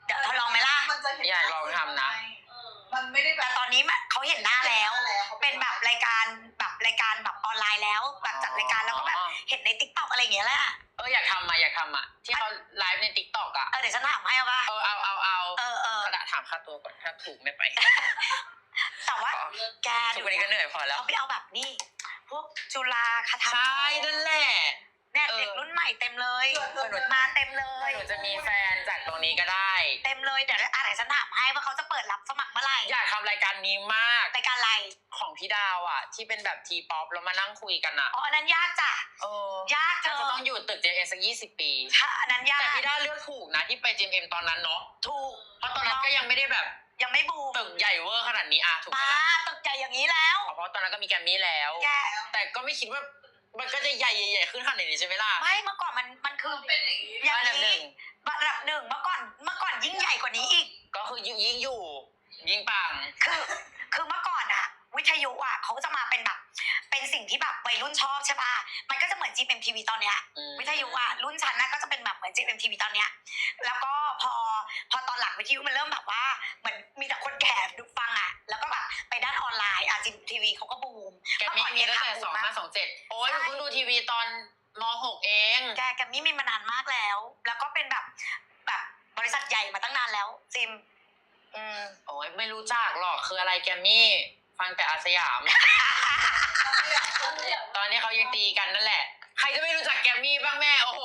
[SPEAKER 2] เดี๋ยวทดลองไหมล่ะ
[SPEAKER 4] มันจะเห็น
[SPEAKER 3] อยากลองทำนะ
[SPEAKER 4] มันไม่ได้แบ
[SPEAKER 2] แต่
[SPEAKER 4] บ
[SPEAKER 2] ตอนนี้เขาเห็นหน้าแล้ว เป็นแบบรายการแบบออนไลน์แล้วแบบจัดรายการแล้วก็แบบเห็นในติ๊กต็อกอะไรอย่างเงี้ยแหละ
[SPEAKER 3] อยากทำอ่ะที่เขาไลฟ์ในติ๊กต็อกอ่ะ
[SPEAKER 2] เดี๋ยวฉันถามให้เอาป่ะ
[SPEAKER 3] เอา
[SPEAKER 2] เ
[SPEAKER 3] กระดาษถามค่าตัวก่อนถ้าถูกไม่ไป
[SPEAKER 2] แต่ว่าแก
[SPEAKER 3] ทุกวันนี้ก็เหนื่อยพอแล้ว
[SPEAKER 2] เขาไปเอาแบบนี้พวกจุฬาคาถา
[SPEAKER 3] ใช่นั่นแหละ
[SPEAKER 2] เนี่ยเด็กรุ่นใหม่เต็มเลยมาเต็มเลย
[SPEAKER 3] หนูจะมีแฟนจากตรงนี้ก็ได้
[SPEAKER 2] เต็มเลยเดี๋ยวฉันถามให้ว่าเขาจะเปิดรับสมัครเมื่อไหร่
[SPEAKER 3] อยากทำรายการนี้มาก
[SPEAKER 2] รายการอะไร
[SPEAKER 3] ของพี่ดาวอ่ะ ที่เป็นแบบทีป๊อปแล้วมานั่งคุยกันอ่ะ
[SPEAKER 2] อันนั้นยากจ้ะยากเธ
[SPEAKER 3] น่า
[SPEAKER 2] อ
[SPEAKER 3] จะต้องอยู่ตึก JM สัก20 ปี
[SPEAKER 2] อันนั้นยาก
[SPEAKER 3] แต่พี่ดาวเลือกถูกนะที่ไป JM ตอนนั้นเนาะ
[SPEAKER 2] ถูก
[SPEAKER 3] เพราะตอนนั้นก็ยังไม่ได้แบบ
[SPEAKER 2] ยังไม่บูม
[SPEAKER 3] ตึกใหญ่เวอร์ขนาดนี้ถูกไหม
[SPEAKER 2] ป้า
[SPEAKER 3] ล่ะ
[SPEAKER 2] ตึกใหญ่อย่างนี้แล้ว
[SPEAKER 3] เพราะตอนนั้นก็มีแกรมมี่แล้ว
[SPEAKER 2] แก
[SPEAKER 3] แต่ก็ไม่คิดว่ามันก็จะใหญ่ขึ้นขนาดนี้ใช่ไหมล่ะ
[SPEAKER 2] ไม่เมื่อก่อนมันคืออย่าง
[SPEAKER 3] อันดับห
[SPEAKER 2] นี้
[SPEAKER 3] นึ่ง
[SPEAKER 2] ระดับหนึ่งเมื่อก่อนยิ่งใหญ่กว่านี้อีก
[SPEAKER 3] ก็คือยิ่งอยู่ยิ่งปัง
[SPEAKER 2] คือเมื่อก่อนอะวิทยุอะเขาจะมาเป็นแบบเป็นสิ่งที่แบบวัยรุ่นชอบใช่ป่ะมันก็จะเหมือน GMMTV ตอนเนี้ยวิทยุอะรุ่นฉันนะก็จะเป็นแบบเหมือน GMMTV ตอนเนี้ยแล้วก็พอตอนหลังวิทยุมันเริ่มแบบว่าเหมือนมีแต่คนแก่ดูฟังอะแล้วก็แบบไปด้านออนไลน์GMMTV เขาก็บูม
[SPEAKER 3] แกมมี่มีตั้งแต่2527โอ้ยหนูเพิ่งดูทีวีตอนม.6 เอง
[SPEAKER 2] แกมมี่มีมานานมากแล้ว แล้วก็เป็นแบบบริษัทใหญ่มาตั้งนานแล้วจิม
[SPEAKER 3] โอ้ยไม่รู้จักหรอกคืออะไรแกมมี่ฟังแต่อาสยาม ตอนนี้เขายังตีกันนั่นแหละ ใครจะไม่รู้จักแกมมี่บ้างแม่โอ้โห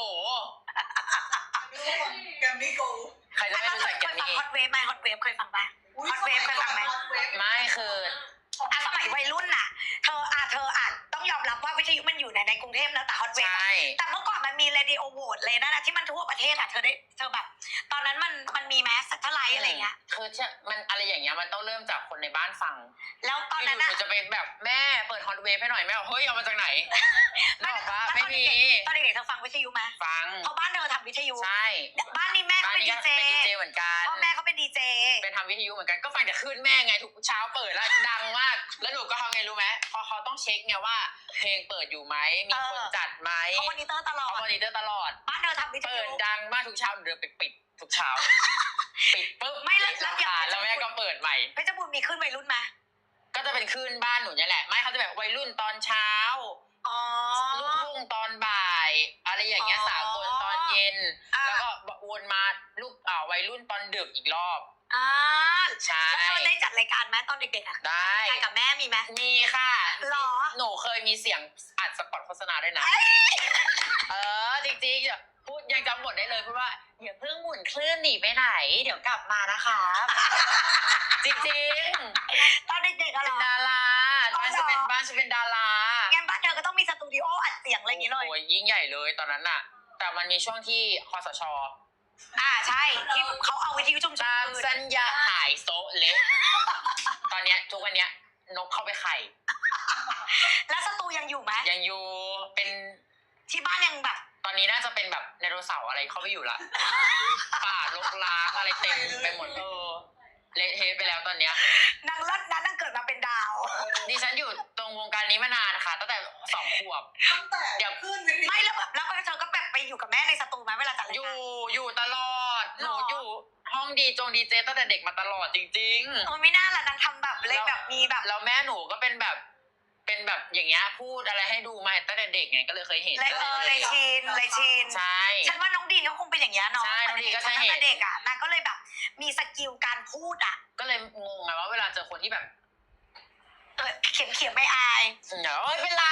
[SPEAKER 4] แกมมี่โก
[SPEAKER 3] ใครจะไม่รู้จักแกมมี่
[SPEAKER 2] ฮอตเวฟไหมฮอตเวฟเคยฟังปะ ฮอตเวฟเคยฟังไหม
[SPEAKER 3] ไม่คือ
[SPEAKER 2] สมัยวัยรุ่นน่ะเธอต้องยอมรับว่าวิทยุมันอยู่ในกรุงเทพนะแต่ฮอตเวฟ
[SPEAKER 3] ใช่
[SPEAKER 2] แต่เมื่อก่อนมันมีเรดิโอโหวตเลยนะที่มันทั่วประเทศอ่ะเธอแบบตอนนั้นมันมีแมสซัตเทอร์ไลท์อะไรเงี้ย
[SPEAKER 3] คือมันอะไรอย่างเงี้ยมันต้องเริ่มจากคนในบ้านฟัง
[SPEAKER 2] แล้วตอนนั้น
[SPEAKER 3] ห
[SPEAKER 2] อ่ะ
[SPEAKER 3] นูจะเป็นแบบแม่เปิดฮอตเวฟให้หน่อยแม่บอกเฮ้ยเอามาจากไหนบอกว่าไม่มี
[SPEAKER 2] ตอนเด็กๆเธอฟังวิทยุไหม
[SPEAKER 3] ฟัง
[SPEAKER 2] เพราะบ้านเธอทำวิทยุ
[SPEAKER 3] ใช่
[SPEAKER 2] บ้านนี้แม่เขา
[SPEAKER 3] บ้าน
[SPEAKER 2] เป็น
[SPEAKER 3] นี้
[SPEAKER 2] ดี
[SPEAKER 3] ก็
[SPEAKER 2] เจ
[SPEAKER 3] เป็นดีเจเหมือนกัน
[SPEAKER 2] พ่อแม่เขาเป็นดีเจ
[SPEAKER 3] เป็นทำวิทยุเหมือนกันก็ฟังจากคลื่นแม่ไงทุกเช้าเปิดแล้วดังมากแล้วหนูก็ทำไงรู้ไหมพอเขาต้องเช็คไงว่าเพลงเปิดอยู่ไหมมีคนจัดไหม
[SPEAKER 2] เขามอนิเตอร์ตลอด
[SPEAKER 3] เขามอนิเตอร์ตลอด
[SPEAKER 2] บ้านเธอทำวิท
[SPEAKER 3] เปิ
[SPEAKER 2] ยุ
[SPEAKER 3] ดดังมากทุกเช้าหนูเดินไปปิดทุกเช้า ปิดปุ๊บ
[SPEAKER 2] ไม่แล้ว
[SPEAKER 3] รำคาญแล้วแม่ก็เปิดใหม่
[SPEAKER 2] เพชรบูรณ์มีขึ้นวัยรุ่นไหม
[SPEAKER 3] ก็จะเป็นคลื่นบ้านหนูเนี่ยแหละไม่เขาจะแบบวัยรุ่นตอนเช้า
[SPEAKER 2] อ๋อ
[SPEAKER 3] ลูกทุ่งตอนบ่ายอะไรอย่างเงี้ยสากลตอนเย็น แล้วก็วนมาลูกวัยรุ่นตอนดึกอีกรอบ ใช่
[SPEAKER 2] แล้วเธอได้จัดรายการไหมตอนเด็กๆอ่ะ
[SPEAKER 3] ได้
[SPEAKER 2] รายการกับแม่มีไหม
[SPEAKER 3] มีค่ะ
[SPEAKER 2] หรอ
[SPEAKER 3] หนูเคยมีเสียงอัดสปอตโฆษณาด้วยนะจริงๆพูดยังจำบทได้เลยพูดว่าอย่าเพิ่งหมุนคลื่นหนีไปไหน เดี๋ยวกลับมานะคะ จริงๆ
[SPEAKER 2] ตอนเด็กๆอะเหร
[SPEAKER 3] เป็น
[SPEAKER 2] อ
[SPEAKER 3] ดาราบ้านฉันเป็นดารา
[SPEAKER 2] งั้นบ้านเธอก็ต้องมีสตูดิโออัดเสียงอะไรอย่างงี้เลย
[SPEAKER 3] โอ้ยยิ่งใหญ่เลยตอนนั้นน่ะ แต่มันมีช่วงที่คสช.
[SPEAKER 2] ใช่ที่เขาเอาวิทยุชุมช
[SPEAKER 3] ตาม
[SPEAKER 2] น
[SPEAKER 3] สัญญาหายโซะเละ ตอนเนี้ยทุกวันเนี้ยนกเข้าไปไข่
[SPEAKER 2] แล้วสตูยังอยู่ไหม
[SPEAKER 3] ยังอยู่เป็น
[SPEAKER 2] ที่บ้านยังแบบ
[SPEAKER 3] ตอนนี้น่าจะเป็นแบบไดโนเสาร์อะไรเข้าไปอยู่ละป่ารกร้างอะไรเต็มไปหมดเละเทะไปแล้วตอนเนี้ย
[SPEAKER 2] นางเลิศนั้นนางเกิดมาเป็นดาว
[SPEAKER 3] ดิฉันอยู่ตรงวงการนี้มานานค่ะตั้งแต่2 ขวบ
[SPEAKER 4] ตั้งแต่ขึ้นวิทยุ
[SPEAKER 2] ไม่แล้วแบบแล้วเธอก็แบบไปอยู่กับแม่ในสตูไหมเวลาจัดราย
[SPEAKER 3] อ
[SPEAKER 2] การ
[SPEAKER 3] ยู่ตลอดห
[SPEAKER 2] หร
[SPEAKER 3] นู
[SPEAKER 2] อ
[SPEAKER 3] อยู่ห้องดีเจตั้งแต่เด็กมาตลอดจริงๆ
[SPEAKER 2] ไม่น่าล่ะนางทำแบบเลยแบบมีแบบ
[SPEAKER 3] แล้วแม่หนูก็เป็นแบบอย่างเงี้ยพูดอะไรให้ดูมาตั้งแต่เด็กไงก็เลยเคยเห็น
[SPEAKER 2] เลยชิน
[SPEAKER 3] ใช่
[SPEAKER 2] ฉันว่าน้องดีนเขาคงเป็นอย่างเงี้ยเนาะ
[SPEAKER 3] ใช่น้องดีนก็จะเห็น
[SPEAKER 2] ตั้งแต่เด็กอ่ะนางก็เลยแบบมีสกิลการพูดอ่ะ
[SPEAKER 3] ก็เลยงงไงว่าเวลาเจอคนที่แบบ
[SPEAKER 2] เขียนไม่อาย
[SPEAKER 3] เอ้ยเป็นไร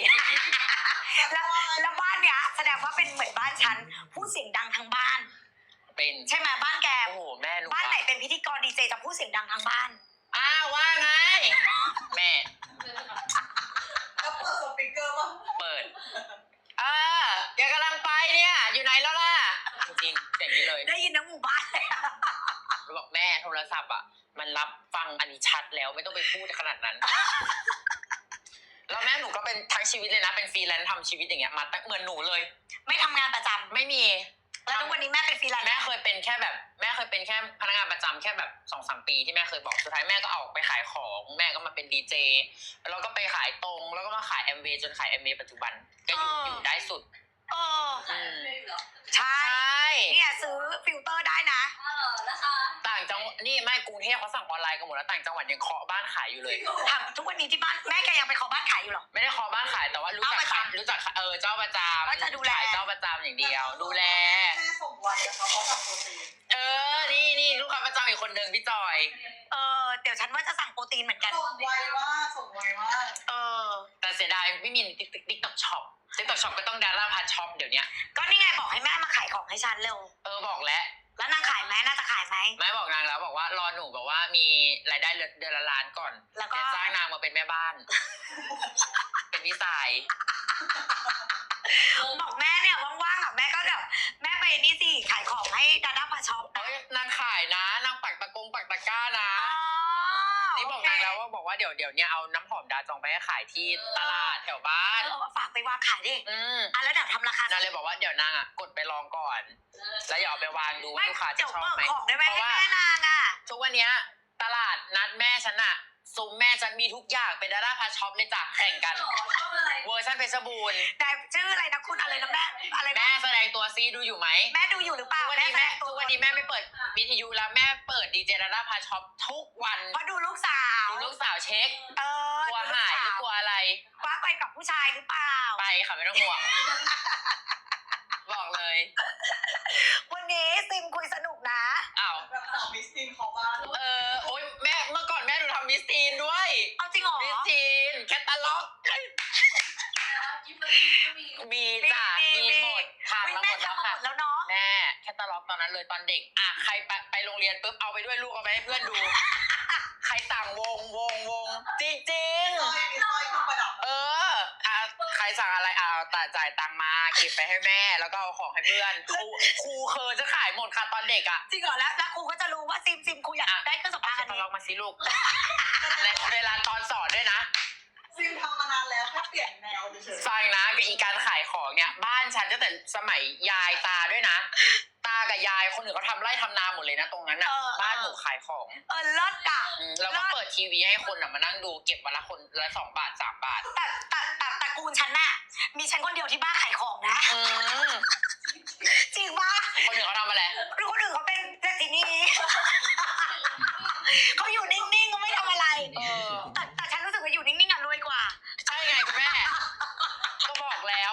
[SPEAKER 2] แล้วบ้านเนี้ยแสดงว่าเป็นเหมือนบ้านฉันพูดเสียงดังทั้งบ้าน
[SPEAKER 3] เป็น
[SPEAKER 2] ใช่ไหมบ้านแก
[SPEAKER 3] โอ้โหแม่หนู
[SPEAKER 2] บ้านไหนเป็นพิธีกรดีเจจะพูดเสียงดังทั้งบ้าน
[SPEAKER 3] ว่าไงแม่
[SPEAKER 4] แล้วเปิดสปีกเกอร์ป่ะ
[SPEAKER 3] เปิดเดี๋ยวกำลังไปเนี่ยอยู่ไหนแล้วล่ะจริงๆอย่างนี้เลย
[SPEAKER 2] ได้ยินทั้งหมู่บ้านเลย
[SPEAKER 3] บอกแม่โทรศัพท์มันรับฟังอันนี้ชัดแล้วไม่ต้องไปพูดขนาดนั้น แล้วแม่หนูก็เป็นทั้งชีวิตเลยนะเป็นฟรีแลนซ์ทำชีวิตอย่างเงี้ยมาตั้งเหมือนหนูเลย
[SPEAKER 2] ไม่ทำงานประจำ
[SPEAKER 3] ไม่มี
[SPEAKER 2] แล้วทุกวันนี้แม่เป็นฟรีแลนซ์
[SPEAKER 3] แม่เคยเป็นแค่พนักงานประจำแค่แบบ 2-3 ปีที่แม่เคยบอกสุดท้ายแม่ก็ออกไปขายของแม่ก็มาเป็นดีเจแล้วก็ไปขายตรงแล้วก็มาขายแอมเวย์จนขายแอมเวย์ปัจจุบันก็อยู่ได้สุด
[SPEAKER 2] ใช่
[SPEAKER 3] ใช่
[SPEAKER 2] เนี่ยซื้อฟิลเตอร์ได้นะ
[SPEAKER 5] ราคา
[SPEAKER 3] พเขาสั่งออนไลน์กันหมดแล้วต่างจังหวัดยังเคาะบ้านขายอยู่เลย
[SPEAKER 2] ถามทุกวันนี้ที่บ้านแม่แกยังไปขอบ้านขายอยู่หรอ
[SPEAKER 3] ไม่ได้เคาะบ้านขายแต่ว่ารู้จัก
[SPEAKER 2] เจ้าประจำ
[SPEAKER 3] รู้จักเจ้าประจำ
[SPEAKER 2] ก็จะดูแล
[SPEAKER 3] ขายเจ้าประจำอย่างเดียว ดูแล
[SPEAKER 4] แม่ส่งไวนะคะเขาสั่งโปรตีน
[SPEAKER 3] นี่ลูกค้าประจำอีกคนหนึ่งพี่จอย
[SPEAKER 2] เดี๋ยวฉันว่าจะสั่งโปรตีนเหมือนกัน
[SPEAKER 4] ส่งไวมากส่งไวมาก
[SPEAKER 3] แต่เสียดายไม่มีติ๊กต็อกช็อปติ๊กต็อกช็อปก็ต้องดาราพาช็อปเดี๋ยวนี้
[SPEAKER 2] ก็นี่ไงบอกให้แม่มาขายของให้ฉันเร็ว
[SPEAKER 3] บอกแล้ว
[SPEAKER 2] แล้วนางขายไหมน่าจะขายไหม
[SPEAKER 3] แม่บอกนางแล้วบอกว่ารอหนูบอกว่ามีรายได้เดือนละล้านก่อน
[SPEAKER 2] แล้วก็
[SPEAKER 3] จะจ้างนางมาเป็นแม่บ้าน เป็นพี่สาย
[SPEAKER 2] บอกแม่เนี่ยว่างๆอ่ะแม่ก็แบบแม่ไปนี่สิขายของให้ดาด้าพาช็อป
[SPEAKER 3] นางขายนะนางปักตะกร้านะนี่บอกนางแล้วว่าบอกว่าเดี๋ยวเนี่ยเอาน้ำหอมดาจองไปให้ขายที่ตลาดแถวบ้าน
[SPEAKER 2] ฝากไปวางขายดิ แล้วเดี๋ยวทำราคาน
[SPEAKER 3] างเลยบอกว่าเดี๋ยวนางกดไปลองก่อน แล้วอย่าเอาไปวางดูว่าลูกค้าจะ
[SPEAKER 2] เดี๋ยว
[SPEAKER 3] ชอบ
[SPEAKER 2] เปิด
[SPEAKER 3] ไหม
[SPEAKER 2] ของได้ไหม
[SPEAKER 3] เพราะ
[SPEAKER 2] ให้
[SPEAKER 3] ว่า
[SPEAKER 2] แม่นางอ่ะ
[SPEAKER 3] ทุกวันเนี้ยตลาดนัดแม่ฉันอะซุ้มแม่ฉันมีทุกอย่างเป็นดาราพาช็อปเลยจ้ะแข่งกันเวอร์ชันเพชรบูรณ์
[SPEAKER 2] นายชื่ออะไรนะคุณอะไรนะแม่อะไรนะ
[SPEAKER 3] แม่แสดงตัวซีดูอยู่ไหม
[SPEAKER 2] แม่ดูอยู่หรือเปล่า
[SPEAKER 3] ทุกวันนี้แม่
[SPEAKER 2] แสดงตัว
[SPEAKER 3] ทุกวันนี้แม่ไม่เปิดวิทยุแล้วแม่เปิดดีเจดาราพาช็อปทุกวัน
[SPEAKER 2] เพราะดูลูกสาว
[SPEAKER 3] ดูลูกสาวเช็คกลัวหายหรือกลัวอะไร
[SPEAKER 2] ว่าไปกับผู้ชายหรือเปล่า
[SPEAKER 3] ไปค่ะไม่ต้องห่วง บอกเลย
[SPEAKER 2] วันนี้ซิมคุยสนุกนะ
[SPEAKER 3] อ้าว
[SPEAKER 4] แบบสาวมิสตินเขาบ้าน
[SPEAKER 3] โอ๊ยแม่เมื่อก่อนแม่หนูทำมิสทีนด้วย
[SPEAKER 2] เอาจริงเหรอ
[SPEAKER 3] มิสทีนแคตตาล็อกมีจ้ะมีหมดทำมาหม
[SPEAKER 2] แม่
[SPEAKER 3] ดแล้ว
[SPEAKER 2] ทำมา
[SPEAKER 3] ค่ะ
[SPEAKER 2] หมดแล้วเนาะ
[SPEAKER 3] แม่แคตตาล็อกตอนนั้นเลยตอนเด็กใครไปโรงเรียนปุ๊บเอาไปด้วยลูกเอาไปให้เพื่อนดู ใครสั่งวงจริง
[SPEAKER 4] มีสร้อยเครื่องประดับ
[SPEAKER 3] ใครสั่งอะไรจ่ายตังค์มาเก็บไปให้แม่แล้วก็เอาของให้เพื่อนครูเคยจะขายหมดค่ะตอนเด็กอ่ะ
[SPEAKER 2] จริงเหรอแล้วครูก็จะรู้ว่าซิมครูอยากได้เครื่องสำ
[SPEAKER 3] เอา
[SPEAKER 2] อาง
[SPEAKER 3] แค
[SPEAKER 2] อั
[SPEAKER 3] ต
[SPEAKER 2] น
[SPEAKER 3] ตา
[SPEAKER 2] นี้
[SPEAKER 3] ล็อกมาสิลูก และเวลาตอนสอนด้วยนะ
[SPEAKER 4] ซิมทำมานานแล้วแค่เปลี่ยนแนวเฉย
[SPEAKER 3] ฟังนะกับอีการขายของเนี่ยบ้านฉันตั้งแต่สมัยยายตาด้วยนะตากับยายคนอื่นเขาทำไร่ทำนาหมดเลยนะตรงนั้นอ่ะบ้านหนูขายของ
[SPEAKER 2] เลิศอ่ะ
[SPEAKER 3] แล้วก็เปิดทีวีให้คนมานั่งดูเก็บวันละคนละ2 บาท 3 บาท
[SPEAKER 2] แต่ตระกูลฉันน่ะมีฉันคนเดียวที่บ้านขายของนะ จริงปะ
[SPEAKER 3] คนอื่นเขาทำอะไร
[SPEAKER 2] คนอื่นเขาเป็นเศรษฐีนีเขาอยู่นิ่งๆเขาไม่ทำอะไรแต่ฉันรู้สึกว่าอยู่นิ่งๆอ่ะรวยกว่า
[SPEAKER 3] ใช่ไงคุณแม่ ก็บอกแล้ว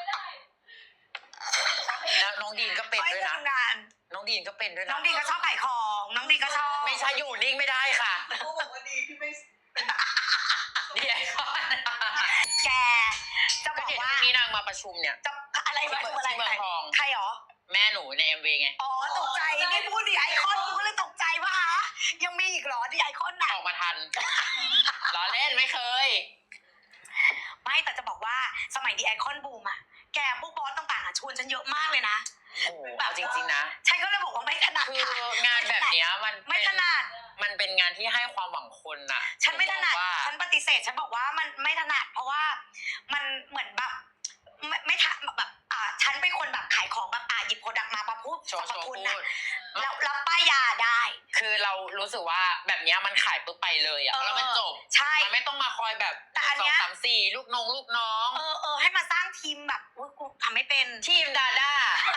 [SPEAKER 3] น้องดีนก็เป็นด้วยนะ
[SPEAKER 2] ทำงาน
[SPEAKER 3] น้องดีนก็เป็นด้วยนะ
[SPEAKER 2] น้องดีก็ชอบขายของน้องดีก็ชอบ
[SPEAKER 3] ไม่ใช่อยู่นิ่งไม่ได้ค่ะ
[SPEAKER 4] ๆเขาบอกว่าดีที่ไม่เป็น
[SPEAKER 3] เดี๋ยว
[SPEAKER 2] แกจะ
[SPEAKER 3] ก็
[SPEAKER 2] บอก
[SPEAKER 3] เห็น
[SPEAKER 2] ว่า
[SPEAKER 3] วันนี้นางมาประชุมเนี่ย
[SPEAKER 2] จะอะไรมาดูอะไร
[SPEAKER 3] ที่เมืองทอง
[SPEAKER 2] ใครหรอ
[SPEAKER 3] แม่หนูใน MV ไง
[SPEAKER 2] อ๋อตกใจนี่พูดดิไอคอนกูก็เลยตกใจว่าฮะยังมีอีกเหรอดิไอคอนน่ะ
[SPEAKER 3] ออกมาทันล้อเล่นไม่เคย
[SPEAKER 2] ไม่แต่จะบอกว่าสมัยดิไอคอนบูมอ่ะแกพวกบอสต่างๆอ่ะชวนฉันเยอะมากเลยนะ
[SPEAKER 3] โอ้โหเอาจริงๆนะ
[SPEAKER 2] ฉันก็เลยบอกว่าไม่ถนัด
[SPEAKER 3] คือ
[SPEAKER 2] ค่ะ
[SPEAKER 3] งานแบบเนี้ยมัน
[SPEAKER 2] ไม่ถนัด
[SPEAKER 3] มันเป็นงานที่ให้ความหวังคนน่ะ
[SPEAKER 2] ฉันไม่ถนัด
[SPEAKER 3] ว่า
[SPEAKER 2] ฉันปฏิเสธฉันบอกว่ามันไม่ถนัดเพราะว่ามันเหมือนแบบไม่ทันแบบฉันเป็นคนแบบขายของแบบหยิบโปรดักต์มาพูด
[SPEAKER 3] โช
[SPEAKER 2] สรรพ
[SPEAKER 3] ว์
[SPEAKER 2] คุณ
[SPEAKER 3] พู
[SPEAKER 2] นะ
[SPEAKER 3] ด
[SPEAKER 2] แล้วรับป้ายยาได้
[SPEAKER 3] คือเรารู้สึกว่าแบบเนี้ยมันขายปุ๊บไปเลยอ่ะแล้วมันจบ
[SPEAKER 2] ใช่
[SPEAKER 3] มันไม่ต้องมาคอยแบบ
[SPEAKER 2] แต่อันเนี้ย
[SPEAKER 3] 2 3 4ลูกน้อง
[SPEAKER 2] ให้มาสร้างทีมแบบอุ๊ยกูทำไม่เป็น
[SPEAKER 3] ทีมดาด้า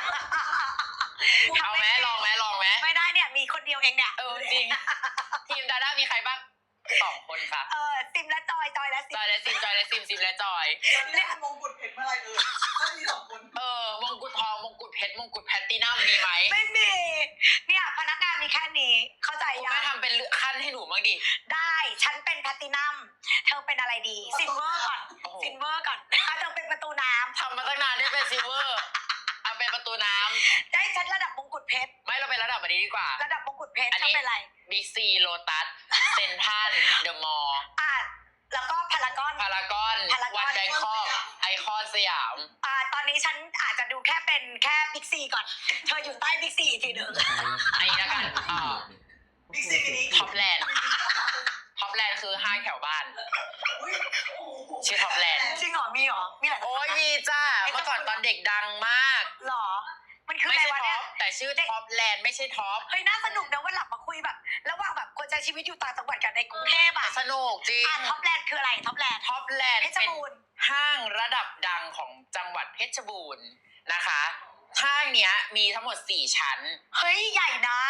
[SPEAKER 3] เอาไหมลองไหม
[SPEAKER 2] ไม่ได้เนี่ยมีคนเดียวเองเนี่ย
[SPEAKER 3] จริงทีมดาด้ามีใครบ้าง2 คนค่ะ
[SPEAKER 2] ซิมและจอยและซิ
[SPEAKER 3] จอยและซิมซิมและจอย
[SPEAKER 4] เนี่ยมงกุฎเพชรเมื่อไรก็มี2 คน
[SPEAKER 3] มงกุฎทองมงกุฎเพชรมงกุฎแพตตินัมมีไหม
[SPEAKER 2] ไม่มีเนี่ยพนักงานมีแค่นี้เข้าใจ
[SPEAKER 3] คุณ
[SPEAKER 2] ยั
[SPEAKER 3] แม่
[SPEAKER 2] ง
[SPEAKER 3] ทำเป็นขั้นให้หนูบ้างดิ
[SPEAKER 2] ได้ฉันเป็นแพลตตินัมเธอเป็นอะไรดีซิลเวอร์ก่อน
[SPEAKER 3] โอ้โห
[SPEAKER 2] ซิลเวอร์ก่อนเธอเป็นประตูน้
[SPEAKER 3] ทำมาตั้งนานได้เป็นซิลเวอร์เอาเป็นประตูน้
[SPEAKER 2] ำได้ฉันระดับมงกุฎเพชร
[SPEAKER 3] ำไม่เราเป็นระดับอันนี้ดีกว่า
[SPEAKER 2] ระดับมงกุฎเพชร
[SPEAKER 3] อัน
[SPEAKER 2] ฉั
[SPEAKER 3] นี้
[SPEAKER 2] นเป็นอะไร
[SPEAKER 3] บิ๊กซีโลตัสเซนทรัลเดอะมอลล์
[SPEAKER 2] แล้วก็พารากอน
[SPEAKER 3] พารากอนวันแบงคอกไอคอนสยาม
[SPEAKER 2] ตอนนี้ฉันอาจจะดูแค่เป็นแค่บิ๊กซีก่อนเธออยู่ใต้บิ๊กซีอีกทีหนึ่ง
[SPEAKER 3] อันนี้แล้วกัน
[SPEAKER 4] บิ๊กซีมินิ
[SPEAKER 3] ท็อปแลนด์คือห้างแถวบ้าน ชื่อท็อปแลนด์
[SPEAKER 2] จริงเหรอมีเหรอมีหลาย
[SPEAKER 3] โอ้ยมีจ้าเมื่อก่อนตอนเด็กดังมาก
[SPEAKER 2] หรอมันคือ
[SPEAKER 3] ไม่
[SPEAKER 2] อะไร
[SPEAKER 3] ใช่
[SPEAKER 2] วะ
[SPEAKER 3] ท็
[SPEAKER 2] เนี่
[SPEAKER 3] อย ปแต่ชื่อท็อปแลนด์ไม่ใช่ท็อป
[SPEAKER 2] เฮ้ยน่าสนุกนะวันหลังมาคุยแบบระหว่างแบบคนใช้ชีวิตอยู่ต่างจังหวัดกับในกรุงเทพอ่ะ
[SPEAKER 3] สนุกจริง
[SPEAKER 2] ท็อปแลนด์คืออะไรท็อปแลนด์
[SPEAKER 3] ท็อปแลนด์
[SPEAKER 2] เพชร
[SPEAKER 3] เป็น
[SPEAKER 2] บูรณ์
[SPEAKER 3] ห้างระดับดังของจังหวัดเพชรบูรณ์นะคะห้างเนี้ยมีทั้งหมด4 ชั้น
[SPEAKER 2] เฮ้ยใหญ่นะ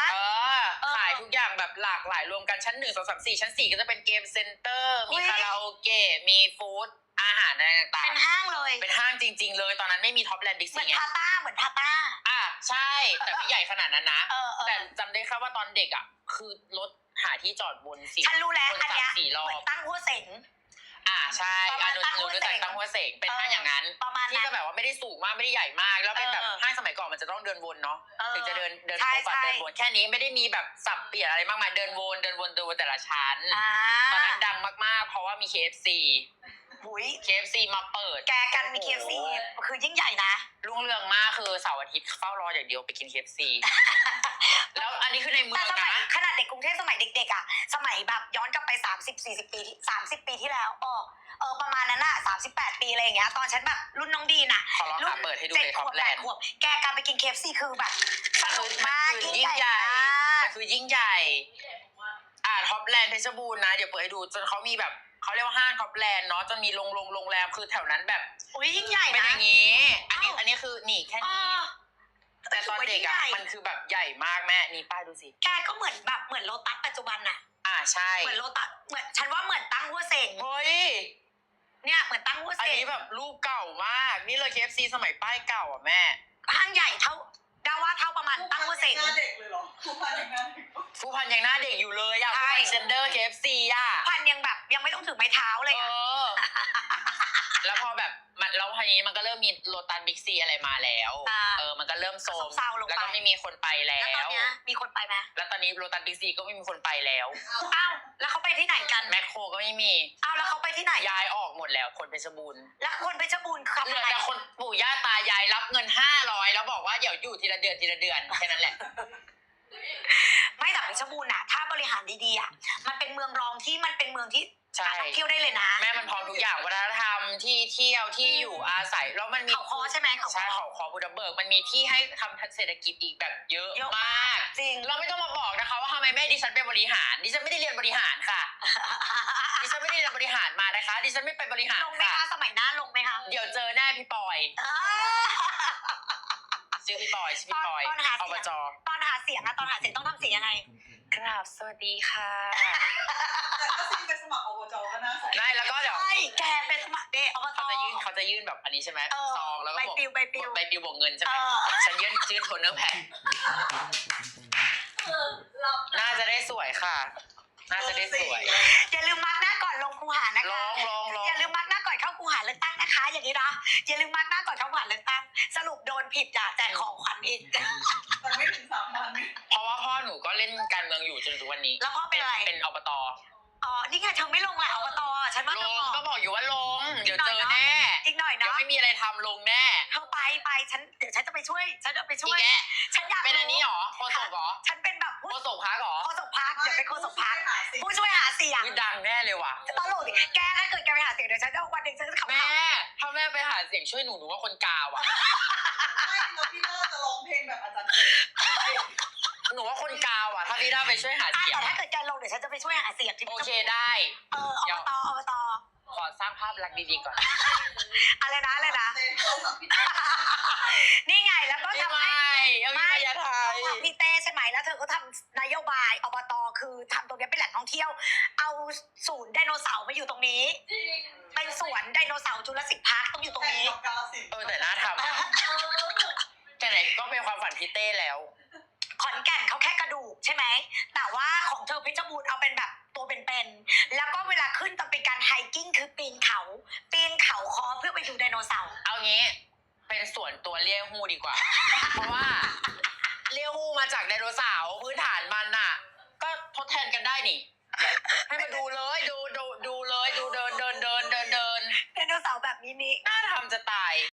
[SPEAKER 3] ขายทุกอย่างแบบหลากหลายรวมกันชั้น1 2 3 4ชั้น4ก็จะเป็นเกมเซ็นเตอร์มีคาราโอเกะมีฟู้ดอาหารอะไรต่าง
[SPEAKER 2] เป็นห้างเลย
[SPEAKER 3] ๆเป็นห้างจริงๆเลยตอนนั้นไม่มีท็อปแลนด์บิ๊ก
[SPEAKER 2] เหมื
[SPEAKER 3] ซี
[SPEAKER 2] อน
[SPEAKER 3] ไง
[SPEAKER 2] พาต้าเหมือนพาต้า
[SPEAKER 3] ใช่แต่ไม่ใหญ่ขนาดนั้นนะ
[SPEAKER 2] แต่
[SPEAKER 3] แต่จำได้แค่ว่าตอนเด็กอ่ะคือรถหาที่จอดบนสิ
[SPEAKER 2] ฉันรู้แล้ว
[SPEAKER 3] วน
[SPEAKER 2] อันเนี้ย
[SPEAKER 3] 3-4 รอ
[SPEAKER 2] เหมือบ นตั้งหัวเสง
[SPEAKER 3] ใช่
[SPEAKER 2] ประมาณ
[SPEAKER 3] หนู
[SPEAKER 2] ตั้งหัว
[SPEAKER 3] รู้จัก
[SPEAKER 2] เสง
[SPEAKER 3] ตั้งหัวเสงเป็นห้างอย่างนั้น
[SPEAKER 2] ประมาณ
[SPEAKER 3] ที่
[SPEAKER 2] นั้น
[SPEAKER 3] จะแบบว่าไม่ได้สูงมากไม่ได้ใหญ่มากแล้วเป็นแบบ
[SPEAKER 2] เออ
[SPEAKER 3] ห้างสมัยก่อนมันจะต้องเดินวนเนาะ ถึงจะเดิน
[SPEAKER 2] ใช่
[SPEAKER 3] ครบอะ
[SPEAKER 2] ใช่
[SPEAKER 3] เดินวนแค่นี้ไม่ได้มีแบบสับเปลี่ยนอะไรมากมายเดินวนแต่ละชั้น ตอนนั้นดังมากๆเพราะว่ามี KFC
[SPEAKER 2] หุย
[SPEAKER 3] KFC มาเปิด
[SPEAKER 2] แกกันมี KFC คือยิ่งใหญ่นะ
[SPEAKER 3] รุ่งเรืองมากคือเสาร์อาทิตย์เฝ้ารออย่างเดียวไปกิน KFC แล้วอันนี้คือในเมื
[SPEAKER 2] แต่
[SPEAKER 3] อง
[SPEAKER 2] สมัย
[SPEAKER 3] นะ
[SPEAKER 2] ขนาดเด็กกรุงเทพสมัยเด็กๆอ่ะสมัยแบบย้อนกลับไป30-40 ปี30 ปีที่แล้วประมาณนั้นอ่ะ38 ปีอะไรอย่างเงี้ยตอนฉันแบบรุ่นน้องดีน่ะ
[SPEAKER 3] ขอลองหาเปิดให้ดูเลย
[SPEAKER 2] 7 ข
[SPEAKER 3] ท็อ
[SPEAKER 2] ว
[SPEAKER 3] ป
[SPEAKER 2] บ
[SPEAKER 3] แล
[SPEAKER 2] 8
[SPEAKER 3] นด์
[SPEAKER 2] ขวบแกการไปกิน KFC คือแบบสนุกมาก
[SPEAKER 3] คือ
[SPEAKER 2] ยิ่
[SPEAKER 3] ยิ่
[SPEAKER 2] ง
[SPEAKER 3] ง
[SPEAKER 2] ให
[SPEAKER 3] ให
[SPEAKER 2] ญ่
[SPEAKER 3] ญ่
[SPEAKER 2] มาก
[SPEAKER 3] คือยิ่งใหญ่ท็อปแลนด์เพชรบูรณ์นะเดี๋ยวเปิดให้ดูจนเขามีแบบเขาเรียกว่าห้างท็อปแลนด์เนาะจนมีโรงแรมคือแถวนั้นแบบ
[SPEAKER 2] อุ้ยยิ่งใหญ่
[SPEAKER 3] เป็น
[SPEAKER 2] นะ
[SPEAKER 3] อย่างนี้ อันนี้คือนี่แค่นี้ แต่ตอนเด็กอ่ะ
[SPEAKER 2] ถืว่ายิ่งใหญ่
[SPEAKER 3] มันคือแบบใหญ่มากแม่นี่ป้ายดูสิ
[SPEAKER 2] แกก็เหมือนแบบเหมือนโลตัสปัจจุบันน่ะ
[SPEAKER 3] ใช่
[SPEAKER 2] เหมือนโลตัสเหมือนฉันว่าเหมือนตั้งหัวเสง
[SPEAKER 3] เฮ้ย
[SPEAKER 2] เนี่ยเหมือนตั้งหัว
[SPEAKER 3] อัน
[SPEAKER 2] เสง
[SPEAKER 3] นี้แบบรูปเก่ามากนี่เลย KFC สมัยป้ายเก่าอ่ะแม่
[SPEAKER 2] ห้างใหญ่เท่าดาว่าเท่าประมาณตั้งหัวเสง
[SPEAKER 4] หน้าเด็กเลยเหรอผู้พันอย่างนั้น
[SPEAKER 3] ผู้พันยังหน้าเด็กอยู่เลยอ่ะ
[SPEAKER 2] ใช่
[SPEAKER 3] ผู้พันเซนเดอร์ KFC อ่ะ
[SPEAKER 2] พันยังแบบยังไม่ต้องถึงไม้เท้าเลยอะ
[SPEAKER 3] แล้วพอแบบแล้วทีนี้มันก็เริ่มมีโลตัสบิ๊กซีอะไรมาแล้วมันก็เริ่มโซม
[SPEAKER 2] เศร้าลงไป
[SPEAKER 3] แล้วก็ไม่มีคนไปแล้
[SPEAKER 2] แล้วตอน
[SPEAKER 3] ว
[SPEAKER 2] เนี้ยมีคนไปไหม
[SPEAKER 3] แล้วตอนนี้โลตัสบิ๊กซีก็ไม่มีคนไปแล้ว
[SPEAKER 2] อ้าวแล้วเขาไปที่ไหนกัน
[SPEAKER 3] แมคโครก็ไม่มี
[SPEAKER 2] อ้าวแล้วเขาไปที่ไหน
[SPEAKER 3] ย้ายออกหมดแล้วคนเพชรบูรณ์
[SPEAKER 2] แล้วคนเพชรบูรณ์ขับ
[SPEAKER 3] เหลื
[SPEAKER 2] อะ
[SPEAKER 3] อ
[SPEAKER 2] ไร
[SPEAKER 3] แต่คนปู่ย่าตายายรับเงิน500แล้วบอกว่าเดี๋ยวอยู่ทีละเดือนแค่นั้นแหละ
[SPEAKER 2] ไม่แต่เพชรบูรณ์อะถ้าบริหารดีๆอะมันเป็นเมืองรองที่มันเป็นเมืองที่
[SPEAKER 3] ใช่
[SPEAKER 2] เที่ยวได้เลยนะ
[SPEAKER 3] แม่มันพร้อมทุกอย่างวัฒนธรรมที่เที่ยวที่อยู่อาศัยแล้วมันมี
[SPEAKER 2] เขาคอใช่ไหมเขาค
[SPEAKER 3] ใช่
[SPEAKER 2] อ
[SPEAKER 3] เขาคอบุดเบิกมันมีที่ให้ทำเศรษฐกิจอีกแบบเยอะ
[SPEAKER 2] เยอะ
[SPEAKER 3] มาม
[SPEAKER 2] าก กจริง
[SPEAKER 3] เราไม่ต้องมาบอกนะคะว่าทำไมแม่ดิฉันไปบริหารดิฉันไม่ได้เรียนบริหารค่ะ ดิฉันไม่ได้เรียนบริหารมานะคะดิฉันไม่ไปบริหาร
[SPEAKER 2] ลงไหม
[SPEAKER 3] ค่ะ
[SPEAKER 2] คะสมัยหน้าลงไหมคะ
[SPEAKER 3] เดี๋ยวเจอแน่พี่ปอย
[SPEAKER 2] อ่า
[SPEAKER 3] ชื่อพี่ปอยชื่อพี่ปอย
[SPEAKER 2] ตอนหาเสียง
[SPEAKER 3] อบจ
[SPEAKER 2] ตอนหาเสียงอะตอนหาเสียงต้องทำเสียงยังไง
[SPEAKER 3] กราบสวัสดีค่ะ
[SPEAKER 4] แต่ถ้าซิงไปสมัครอบจก็น่าใส่
[SPEAKER 3] ได้แล้วก็เดี๋ยว
[SPEAKER 2] ใช่แกเป็นสมัครเดย์อบต
[SPEAKER 3] เขาจะยื่นแบบอันนี้ใช่ไหม
[SPEAKER 2] เออ
[SPEAKER 3] ซองแล้วก็
[SPEAKER 2] ใบ
[SPEAKER 3] บอก
[SPEAKER 2] ปลิวใบปลิว
[SPEAKER 3] ใบปลิวบวกเงินใช่ไหม
[SPEAKER 2] เออ
[SPEAKER 3] ฉันยื่นโทนเนอร์แพ็คน่าจะได้สวยค่ะ น่าจะได้สวย
[SPEAKER 2] อย่าลืมมาร์กหน้าก่อนลงคูหานะคะ
[SPEAKER 3] ลอง
[SPEAKER 2] อย่าลืมมาร์กหน้าก่อนเข้าคูหาเลือกตั้งนะคะ อย่างนี้นะอย่าลืมมาร์กหน้าก่อนเข้าคูหาเลือกตั้งสรุปโดนผิดจ้ะแจกของขวัญอีก
[SPEAKER 4] แต่ไม่ถึง3 วัน
[SPEAKER 3] เพราะว่าพ่อหนูก็เล่นการเมืองอยู่จนถึงวันนี้
[SPEAKER 2] แล้วพ่อเป็นอะไร
[SPEAKER 3] เป็นอบต
[SPEAKER 2] อ๋อนี่ไงเธอไม่ลงแหละอบตฉันว่า
[SPEAKER 3] ล
[SPEAKER 2] เธอง บอก
[SPEAKER 3] ก็บอกอยู่ว่าลง เดี๋ยวเจอแน่
[SPEAKER 2] อีกหน่อย
[SPEAKER 3] เดี๋ยว
[SPEAKER 2] เนาะ
[SPEAKER 3] ไม่มีอะไรทำลงแน่
[SPEAKER 2] เธอไปเดี๋ยวฉันจะไปช่วยฉันจะไปช่
[SPEAKER 3] อี
[SPEAKER 2] วย
[SPEAKER 3] กแก
[SPEAKER 2] ฉันอยาก
[SPEAKER 3] เป็นอันนี้หรอโคศกหรอ
[SPEAKER 2] ฉันเป็นแบบ
[SPEAKER 3] โคศกพักหรอ
[SPEAKER 2] โฆษกพักเดี๋ยวเป็นโฆษกพักผู้ช่วยหาเสียง
[SPEAKER 3] อุ๊ยดังแน่เลยว่ะ
[SPEAKER 2] ตลกดิแกถ้าเกิดแกไปหาเสียงเดี๋ยวฉันจะวันหนึ่งฉันจะขับ
[SPEAKER 3] แม่ถ้าแม่ไปหาเสียงช่วยหนูว่าคนกาวอ่ะ
[SPEAKER 4] ไม่แล้วพี่น่าจะร้องเพลงแบบอาจารย์เอก
[SPEAKER 3] หนูว่าคนกาวอ่ะ ถ้าพี่ด้าไปช่วยหา
[SPEAKER 2] อ่ะ
[SPEAKER 3] เสียง
[SPEAKER 2] แต่ถ้าเกิดแกลงเดี๋ยวฉันจะไปช่วยหาเสียงที่
[SPEAKER 3] โอเคได้
[SPEAKER 2] อบต
[SPEAKER 3] ขอสร้างภาพลักษณ์ดีๆก่อน
[SPEAKER 2] อะไรนะนี่ไงแล้วก็
[SPEAKER 3] ไม่
[SPEAKER 2] ทำให้
[SPEAKER 3] เอาไม่ยาไทย
[SPEAKER 2] พี่เต้ใช่ไหมแล้วเธอก็ทำนโยบายอบตคือทำตรงนี้เป็นแหล่งท่องเที่ยว เอาศูนย์ไดโนเสาร์มาอยู่ตรงนี้ เป็นสวนไดโนเสาร์จุลศิลป์พาร์คต้องอยู่ตรง
[SPEAKER 4] แต่
[SPEAKER 2] นี้
[SPEAKER 4] กับกาลสินธุ์
[SPEAKER 3] แต่น่าทำแต่ไหนก็เป็นความฝันพี่เต้แล้ว
[SPEAKER 2] ขอนแก่นเขาแค่กระดูกใช่ไหมแต่ว่าของเธอเพชรบูรณ์เอาเป็นแบบตัวเป็นๆแล้วก็เวลาขึ้นต้องเป็นการไฮกิ้งคือปีนเขาคอเพื่อไปดูไดโนเสาร์
[SPEAKER 3] เอางี้เป็นส่วนตัวเลี้ยงฮูดีกว่า เพราะว่าเลี้ยงฮูมาจากไดโนเสาร์พื้นฐานมันน่ะ ก็ทดแทนกันได้นี่ ให้มาดูเลยดูเลยดูเดิน
[SPEAKER 2] ไดโนเสาร์แบบนี้
[SPEAKER 3] น่าทำจะตาย